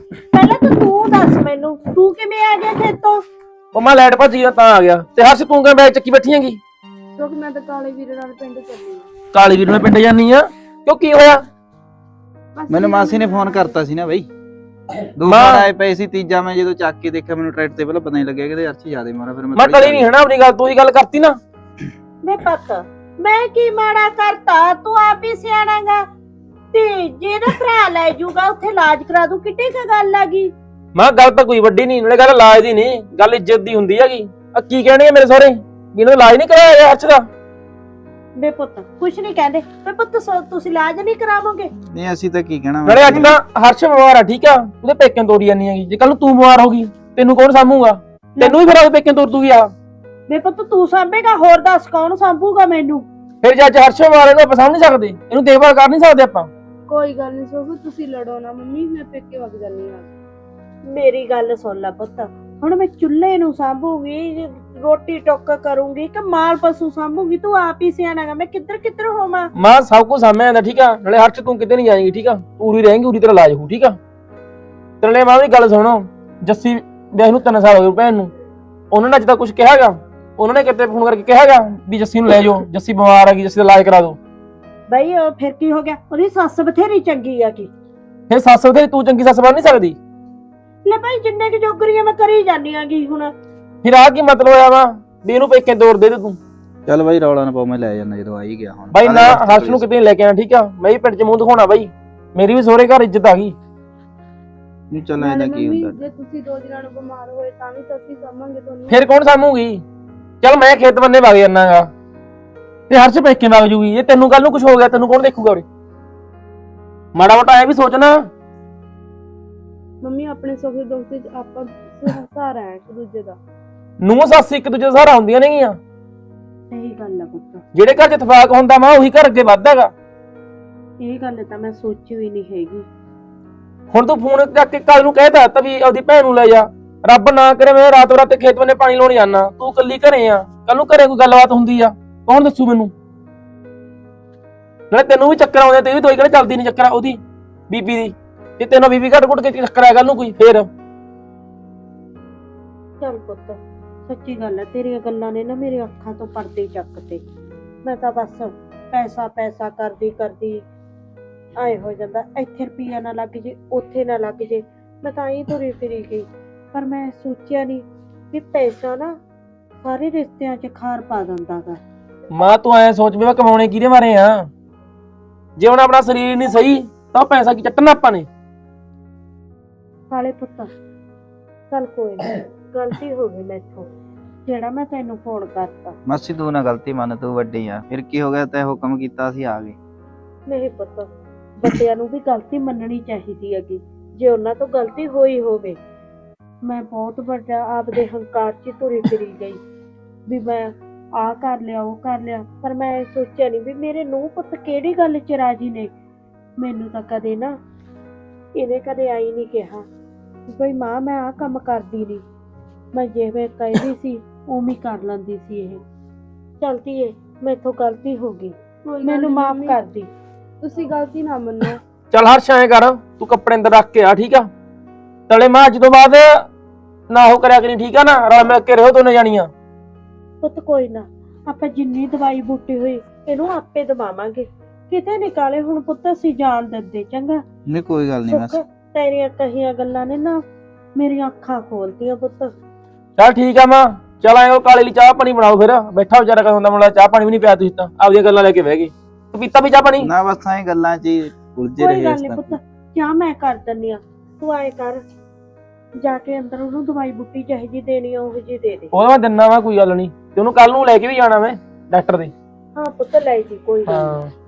[SPEAKER 1] ਪਹਿਲਾਂ ਤਾਂ ਤੂੰ ਦੱਸ ਮੈਨੂੰ, ਤੂੰ ਕਿਵੇਂ ਆ ਗਿਆ ਖੇਤੋਂ?
[SPEAKER 2] ਉਹ ਮੈਂ ਲਾਈਟ ਭੱਜੀ ਆ ਤਾਂ ਆ ਗਿਆ। ਤੇ ਹਰਸ਼ ਤੂੰ ਕਿਵੇਂ ਬੈਗ ਚੱਕੀ ਬੈਠੀ ਹੈਗੀ?
[SPEAKER 3] ਕਿਉਂਕਿ ਮੈਂ ਤਾਂ ਕਾਲੇ ਵੀਰੇ ਨਾਲ ਪਿੰਡ ਚੱਲੀ ਆ।
[SPEAKER 2] ਕਾਲੀ ਵੀਰ ਨਾਲ ਪਿੰਡ ਜਾਨੀ ਆ ਕਿਉਂ, ਕੀ ਹੋਇਆ?
[SPEAKER 6] ਮੈਨੂੰ ਮਾਸੀ ਨੇ ਫੋਨ ਕਰਤਾ ਸੀ ਨਾ ਬਈ, ਦੋ
[SPEAKER 2] ਮਾਂ-
[SPEAKER 6] ਫੋਨ ਆਏ ਪਏ ਸੀ, ਤੀਜਾ ਮੈਂ ਜਦੋਂ ਚੱਕ ਕੇ ਦੇਖਿਆ ਮੈਨੂੰ ਟਰੈਕਟਰ ਤੇ ਪਹਿਲਾਂ ਪਤਾ ਨਹੀਂ ਲੱਗਿਆ ਕਿ ਅਰਸ਼ੀ ਜ਼ਿਆਦਾ ਮਾਰਾ, ਫਿਰ
[SPEAKER 2] ਮੈਂ ਟਲੀ ਨਹੀਂ ਹਨਾ ਆਪਣੀ ਗੱਲ, ਤੂੰ ਹੀ ਗੱਲ ਕਰਤੀ ਨਾ।
[SPEAKER 1] ਮੈਂ ਪਤਾ ਮੈਂ ਕੀ ਮਾੜਾ ਕਰਤਾ, ਤੂੰ ਆਪ ਹੀ ਸਿਆਣਾਗਾ। ਤੇ ਜੇ ਨਾ ਭਰਾ ਲੈ ਜਾਊਗਾ ਉੱਥੇ ਇਲਾਜ ਕਰਾ ਦੂ, ਕਿੱਡੀ ਕ ਗੱਲ ਆ ਗਈ।
[SPEAKER 2] ਮੈਂ ਗੱਲ ਤਾਂ ਕੋਈ ਵੱਡੀ ਨਹੀਂ, ਨਾਲੇ ਗੱਲ ਇਲਾਜ ਦੀ ਨਹੀਂ, ਗੱਲ ਇੱਜ਼ਤ ਦੀ ਹੁੰਦੀ ਹੈਗੀ। ਆ ਕੀ ਕਹਿਣਗੇ ਮੇਰੇ ਸਹੁਰੇ ਵੀ ਇਹਨਾਂ ਦਾ ਇਲਾਜ ਨਹੀਂ ਕਰਾਇਆ ਗਿਆ ਹਰਸ਼ ਦਾ?
[SPEAKER 1] ਬੇ ਪੁੱਤ ਕੁਛ ਨਹੀਂ ਕਹਿੰਦੇ, ਬੇ ਪੁੱਤ ਤੁਸੀਂ ਇਲਾਜ ਨਹੀਂ ਕਰਾਵੋਗੇ?
[SPEAKER 6] ਨਹੀਂ ਅਸੀਂ ਤਾਂ ਕੀ ਕਹਿਣਾ
[SPEAKER 2] ਨਾਲੇ ਅੱਜ ਤਾਂ ਹਰਸ਼ ਬਿਮਾਰ ਆ, ਠੀਕ ਆ, ਉਹਦੇ ਪੇਕਿਆਂ ਤੋੜੀ ਜਾਨੀ ਹੈਗੀ। ਜੇ ਕੱਲ ਨੂੰ ਤੂੰ ਬਿਮਾਰ ਹੋ ਗਈ ਤੈਨੂੰ ਕੌਣ ਸਾਂਭੂਗਾ? ਤੈਨੂੰ ਵੀ ਫਿਰ ਉਹਦੇ ਪੇਕਿਆਂ ਤੋੜ ਦੂਗੀ ਆ।
[SPEAKER 1] ਬੇ ਪੁੱਤ ਤੂੰ ਸਾਂਭੇਗਾ, ਹੋਰ ਦੱਸ ਕੌਣ ਸਾਂਭੂਗਾ ਮੈਨੂੰ?
[SPEAKER 2] ਫਿਰ ਜੇ ਅੱਜ ਹਰਸ਼ ਬਿਮਾਰ ਇਹਨੂੰ ਆਪਾਂ ਸਾਂਭ ਨਹੀਂ ਸਕਦੇ, ਇਹਨੂੰ ਦੇਖਭਾਲ ਕਰ ਨਹੀਂ ਸਕਦੇ ਆਪਾਂ?
[SPEAKER 3] ਕੋਈ ਗੱਲ ਨਹੀਂ ਸੋਫੀ, ਤੁਸੀਂ ਲੜੋ ਨਾ ਮੰਮੀ, ਮੈਂ ਪੇਕੇ ਵਗ ਜਾਂਦੀ ਆ।
[SPEAKER 1] ਮੇਰੀ ਗੱਲ ਸੁਣ ਲੈ ਪੁੱਤ, ਹੁਣ ਮੈਂ ਚੁੱਲ੍ਹੇ ਨੂੰ ਸਾਂਭੂਗੀ, ਰੋਟੀ ਟੁੱਕ ਕਰੂੰਗੀ ਕਿ ਮਾਲ ਪਸ਼ੂ ਸਾਂਭੂਗੀ? ਤੂੰ ਆਪ ਹੀ ਸਿਆਣਾਗਾ, ਮੈਂ ਕਿੱਧਰ ਹੋਵਾਂ?
[SPEAKER 2] ਮਾਂ ਸਭ ਕੁਝ ਸਾਂਭਿਆ ਜਾਂਦਾ, ਠੀਕ ਆ। ਨਾਲੇ ਹਰਸ਼ ਤੂੰ ਕਿਤੇ ਨਹੀਂ ਜਾਏਂਗੀ, ਠੀਕ ਆ, ਪੂਰੀ ਰਹੇਂਗੀ, ਪੂਰੀ ਤੇਰਾ ਇਲਾਜ ਹੋਊ, ਠੀਕ ਆ। ਤੇ ਨਾਲੇ ਮਾਂ ਵੀ ਗੱਲ ਸੁਣੋ, ਜੱਸੀ ਵਿਆਹ ਨੂੰ 3 ਸਾਲ ਹੋ ਗਏ ਭੈਣ ਨੂੰ, ਉਹਨਾਂ ਨੇ ਅੱਜ ਤੱਕ ਕੁਝ ਕਿਹਾਗਾ? ਉਹਨਾਂ ਨੇ ਕਿਤੇ ਫੋਨ ਕਰਕੇ ਕਿਹਾਗਾ ਵੀ ਜੱਸੀ ਨੂੰ ਲੈ ਜਾਓ, ਜੱਸੀ ਬਿਮਾਰ ਹੈਗੀ, ਜੱਸੀ ਦਾ ਇਲਾਜ ਕਰਾ ਦਿਓ?
[SPEAKER 1] ਬਈ ਉਹ ਫਿਰ ਕੀ ਹੋ ਗਿਆ? ਉਹਦੀ ਸੱਸ ਬਥੇਰੀ ਚੰਗੀ ਆ। ਕੀ
[SPEAKER 2] ਫਿਰ ਸੱਸ ਉਹਦੇ ਤੂੰ ਚੰਗੀ ਸੱਸ ਬਣ ਨਹੀਂ ਸਕਦੀ?
[SPEAKER 1] ਲੈ ਭਾਈ ਜਿੰਨੇ ਕਿ ਜੋਗਰੀਆਂ ਮੈਂ ਕਰੀ ਜਾਨੀ ਆਗੀ। ਹੁਣ
[SPEAKER 2] ਫਿਰ ਆ ਕੀ ਮਤਲਬ ਹੋਇਆ ਵਾ ਵੀ ਇਹਨੂੰ ਪੇਕੇ ਤੋੜ ਦੇ ਤੂੰ?
[SPEAKER 6] ਚੱਲ ਬਾਈ ਰੌਲਾ ਨਾ ਪਾਓ, ਮੈਂ ਲੈ ਜਾਣਾ ਜਦੋਂ ਆ ਹੀ ਗਿਆ ਹੁਣ।
[SPEAKER 2] ਬਾਈ ਨਾ ਹਰਸ਼ ਨੂੰ ਕਿਤੇ ਨੀ ਲੈ ਕੇ ਆਣਾ, ਠੀਕ ਆ। ਮੈਂ ਵੀ ਪਿੰਡ 'ਚ ਮੂੰਹ ਦਿਖਾਉਣਾ ਬਾਈ, ਮੇਰੀ ਵੀ ਸਹੁਰੇ ਘਰ ਇੱਜ਼ਤ ਆ ਗਈ।
[SPEAKER 6] ਨਹੀਂ ਚੱਲ
[SPEAKER 3] ਨਾਲੇ
[SPEAKER 6] ਇਹਦਾ ਕੀ
[SPEAKER 3] ਮੰਮੀ
[SPEAKER 6] ਹੁੰਦਾ।
[SPEAKER 3] ਜੇ ਤੁਸੀਂ 2 ਦਿਨਾਂ ਨੂੰ ਬਿਮਾਰ ਹੋਏ ਤਾਂ ਵੀ ਤਾਂ ਅਸੀਂ ਸਾਂਭਾਂਗੇ ਤੁਹਾਨੂੰ।
[SPEAKER 2] ਫਿਰ ਕੌਣ ਸਾਂਭੂਗੀ? ਚੱਲ ਮੈਂ ਖੇਤ ਬੰਨੇ ਵਗ ਜਾਣਾਗਾ ਤੇ ਹਰਸ਼ ਪੇਕੇ ਵਗ ਜੂਗੀ। ਜੇ ਤੈਨੂੰ ਕੱਲ ਨੂੰ ਕੁਝ ਹੋ ਗਿਆ ਤੈਨੂੰ ਕੌਣ ਦੇਖੂਗਾ ਉਰੇ? ਮਾੜਾ ਮੋਟਾ ਐ ਵੀ ਸੋਚਣਾ।
[SPEAKER 3] ਮੰਮੀ ਆਪਣੇ ਸੁੱਖ ਦੁੱਖ ਵਿੱਚ ਆਪਾਂ ਸਹਾਰਾ ਹੈ ਇੱਕ ਦੂਜੇ ਦਾ।
[SPEAKER 2] ਨੂੰਹ ਸੱਸ ਇੱਕ ਦੂਜੇ ਦਾ ਸਹਾਰਾ ਹੁੰਦੀਆਂ ਨੇਗੀਆਂ।
[SPEAKER 1] ਸਹੀ ਗੱਲ ਆ ਪੁੱਤ,
[SPEAKER 2] ਜਿਹੜੇ ਘਰ 'ਚ ਇਤਫਾਕ ਹੁੰਦਾ ਵਾ ਉਹੀ ਘਰ ਅੱਗੇ ਵੱਧਦਾਗਾ।
[SPEAKER 1] ਇਹ ਗੱਲ ਤਾਂ ਮੈਂ ਸੋਚੀ ਹੋਈ ਨਹੀਂ ਹੈਗੀ।
[SPEAKER 2] ਹੁਣ ਤੂੰ ਫੋਨ ਚੱਕ ਕੇ ਕੱਲ ਨੂੰ ਕਹਿਤਾ ਤਾਂ ਵੀ ਆਪਦੀ ਭੈਣ ਨੂੰ ਲੈ ਜਾ, ਰੱਬ ਨਾ ਕਰੇ ਮੈਂ ਰਾਤ ਬਰਾਤੇ ਖੇਤ ਬੰਨੇ ਪਾਣੀ ਲਾਉਣ ਜਾਣਾ, ਤੂੰ ਇਕੱਲੀ ਘਰੇ ਆ, ਕੱਲ ਨੂੰ ਘਰੇ ਕੋਈ ਗੱਲਬਾਤ ਹੁੰਦੀ ਆ ਕੌਣ ਦੱਸੂ ਮੈਨੂੰ? ਨਾਲੇ ਤੈਨੂੰ ਵੀ ਚੱਕਰ ਆਉਂਦੇ, ਤੇ ਵੀ ਦਵਾਈ ਕਿਹੜਾ ਚੱਲਦੀ ਨਹੀਂ ਚੱਕਰ ਉਹਦੀ ਬੀਬੀ ਦੀ, ਜੇ ਤੈਨੂੰ ਬੀਬੀ ਘੱਟ ਘੁੱਟ ਕੇ ਚੱਕਰ ਆ ਕੱਲ ਨੂੰ ਕੋਈ ਫੇਰ?
[SPEAKER 1] ਚੱਲ ਪੁੱਤ ਸੱਚੀ ਗੱਲ ਹੈ, ਤੇਰੀਆਂ ਗੱਲਾਂ ਨੇ ਨਾ ਮੇਰੇ ਅੱਖਾਂ ਤੋਂ ਪਰਦੇ ਚੱਕਤੇ। ਮੈਂ ਤਾਂ ਬਸ ਪੈਸਾ ਕਰਦੀ ਆਏ ਹੋ ਜਾਂਦਾ, ਇੱਥੇ ਰੁਪਈਆ ਨਾ ਲੱਗ ਜੇ, ਉੱਥੇ ਨਾ ਲੱਗ ਜੇ, ਮੈਂ ਤਾਂ ਹੀ ਤੁਰੀ ਫਿਰੀ ਗਈ। ਪਰ ਮੈਂ ਸੋਚਿਆ ਨਹੀਂ ਵੀ ਪੈਸਾ ਨਾ ਸਾਰੇ ਰਿਸ਼ਤਿਆਂ 'ਚ ਖਾਰ ਪਾ ਦਿੰਦਾ ਗਾ।
[SPEAKER 2] ਮਾਂ ਤੂੰ ਐ ਸੋਚ ਵੀ ਮੈਂ ਕਮਾਉਣੇ ਕਿਹਦੇ ਮਾਰੇ ਆ? ਜੇ ਹੁਣ ਆਪਣਾ ਸਰੀਰ ਨਹੀਂ ਸਹੀ ਤਾਂ ਪੈਸਾ ਕੀ ਚੱਟਣਾ ਆਪਾਂ ਨੇ?
[SPEAKER 1] ਸਾਲੇ ਪੁੱਤ ਚੱਲ ਕੋਈ ਨਹੀਂ, ਗਲਤੀ ਹੋ ਗਈ ਮੈਥੋਂ, ਜਿਹੜਾ ਮੈਂ ਤੈਨੂੰ ਫੋਨ ਕਰਤਾ।
[SPEAKER 6] ਮਾਸੀ ਤੂੰ ਨਾ ਗਲਤੀ ਮੰਨ, ਤੂੰ ਵੱਡੀ ਆ, ਫਿਰ ਕੀ ਹੋ ਗਿਆ? ਤੈਂ ਹੁਕਮ ਕੀਤਾ ਅਸੀਂ ਆ ਗਏ।
[SPEAKER 1] ਨਹੀਂ ਪੁੱਤ, ਵੱਡਿਆਂ ਨੂੰ ਵੀ ਗਲਤੀ ਮੰਨਣੀ ਚਾਹੀਦੀ ਹੈਗੀ ਜੇ ਉਹਨਾਂ ਤੋਂ ਗਲਤੀ ਹੋਈ ਹੋਵੇ। ਮੈਂ ਬਹੁਤ ਵੱਡਾ ਆਪਦੇ ਹੰਕਾਰ 'ਚ ਤੁਰੀ ਫਿਰੀ ਗਈ ਵੀ ਮੈਂ ਆਹ ਕਰ ਲਿਆ ਉਹ ਕਰ ਲਿਆ, ਪਰ ਮੈਂ ਇਹ ਸੋਚਿਆ ਨਹੀਂ ਵੀ ਮੇਰੇ ਨੂੰਹ ਪੁੱਤ ਕਿਹੜੀ ਗੱਲ 'ਚ ਰਾਜੀ ਨੇ। ਮੈਨੂੰ ਤਾਂ ਕਦੇ ਨਾ ਇਹਨੇ ਕਦੇ ਆਈ ਨਹੀਂ ਕਿਹਾ ਬਈ ਮਾਂ ਮੈਂ ਆਹ ਕੰਮ ਕਰਦੀ ਨਹੀਂ, ਮੈਂ ਜਿਵੇਂ ਕਹਿੰਦੀ ਸੀ ਉਵੇਂ ਹੀ ਕਰ ਲੈਂਦੀ ਸੀ। ਇਹ ਚਲਦੀ ਏ, ਮੈਥੋਂ ਗਲਤੀ ਹੋ ਗਈ, ਮੈਨੂੰ ਮਾਫ ਕਰ ਦੀ।
[SPEAKER 3] ਤੁਸੀਂ ਗਲਤੀ ਨਾ ਮੰਨੋ।
[SPEAKER 2] ਚੱਲ ਹਰਸ਼ ਐਂ ਕਰ, ਤੂੰ ਕੱਪੜੇ ਅੰਦਰ ਰੱਖ ਕੇ ਆ, ਠੀਕ ਆ। ਤਲੇ ਮਾਂ ਅੱਜ ਤੋਂ ਬਾਅਦ ਨਾ ਉਹ ਕਰਿਆ ਕਰੀ, ਠੀਕ ਆ ਨਾ, ਰਲ ਮਿਲ ਕੇ ਰਹੋ ਦੋਨੇ ਜਾਣੀਆਂ।
[SPEAKER 1] ਪੁੱਤ ਕੋਈ ਨਾ, ਆਪਾਂ ਜਿੰਨੀ ਦਵਾਈ ਬੂਟੀ ਹੋਈ ਇਹਨੂੰ ਆਪੇ ਦਵਾਵਾਂਗੇ, ਕਿਤੇ ਨਿਕਾਲੇ ਹੁਣ ਪੁੱਤ ਅਸੀਂ ਜਾਣ ਦਿੰਦੇ। ਚੰਗਾ
[SPEAKER 6] ਨਹੀਂ ਕੋਈ ਗੱਲ ਨਹੀਂ ਮਾਸੀ।
[SPEAKER 1] ਤੇਰੀਆਂ ਕਹੀਆਂ ਗੱਲਾਂ ਨੇ ਨਾ ਮੇਰੀਆਂ ਅੱਖਾਂ ਖੋਲਤੀਆਂ ਪੁੱਤ।
[SPEAKER 2] ਚੱਲ ਠੀਕ ਆ ਮਾਂ, ਚੱਲ ਆਏ ਉਹ ਕਾਲੇ ਲਈ ਚਾਹ ਪਾਣੀ ਬਣਾਓ, ਫਿਰ ਬੈਠਾ ਵਿਚਾਰਾ ਕਦੋਂ ਦਾ ਮੁੰਡਾ, ਚਾਹ ਪਾਣੀ ਵੀ ਨਹੀਂ ਪਿਆ ਤੁਸੀਂ ਤਾਂ ਆਪਦੀਆਂ ਗੱਲਾਂ ਲੈ ਕੇ ਬਹਿ ਗਏ। ਤੂੰ ਪੀਤਾ ਵੀ ਚਾਹ ਪਾਣੀ?
[SPEAKER 6] ਨਾ ਬਸ ਐਂ ਗੱਲਾਂ 'ਚ ਹੀ ਉਲਝੇ
[SPEAKER 1] ਕੋਈ
[SPEAKER 6] ਰਹੇ
[SPEAKER 1] ਗੱਲ
[SPEAKER 6] ਇਸ
[SPEAKER 1] ਨਹੀਂ
[SPEAKER 6] ਤਰ੍ਹਾਂ।
[SPEAKER 1] ਪੁੱਤ, ਚਾਹ ਮੈਂ ਕਰ ਦਿੰਨੀ ਆ, ਤੂੰ ਆਏ ਕਰ ਜਾ ਕੇ ਅੰਦਰ ਉਹਨੂੰ ਦਵਾਈ ਬੂਟੀ ਜਿਹੀ ਜੀ ਦੇਣੀ ਆ ਉਹ ਜੀ ਦੇ ਦੇ।
[SPEAKER 2] ਉਹਦਾ ਮੈਂ ਦਿੰਨਾ ਵਾ, ਕੋਈ ਗੱਲ ਨਹੀਂ, ਤੇ ਉਹਨੂੰ ਕੱਲ ਨੂੰ ਲੈ ਕੇ ਵੀ ਜਾਣਾ ਮੈਂ ਡਾਕਟਰ ਦੇ।
[SPEAKER 1] ਹਾਂ ਪੁੱਤ ਲੈ ਜੀ, ਕੋਈ ਗੱਲ ਨੀ।
[SPEAKER 2] ਹਾਂ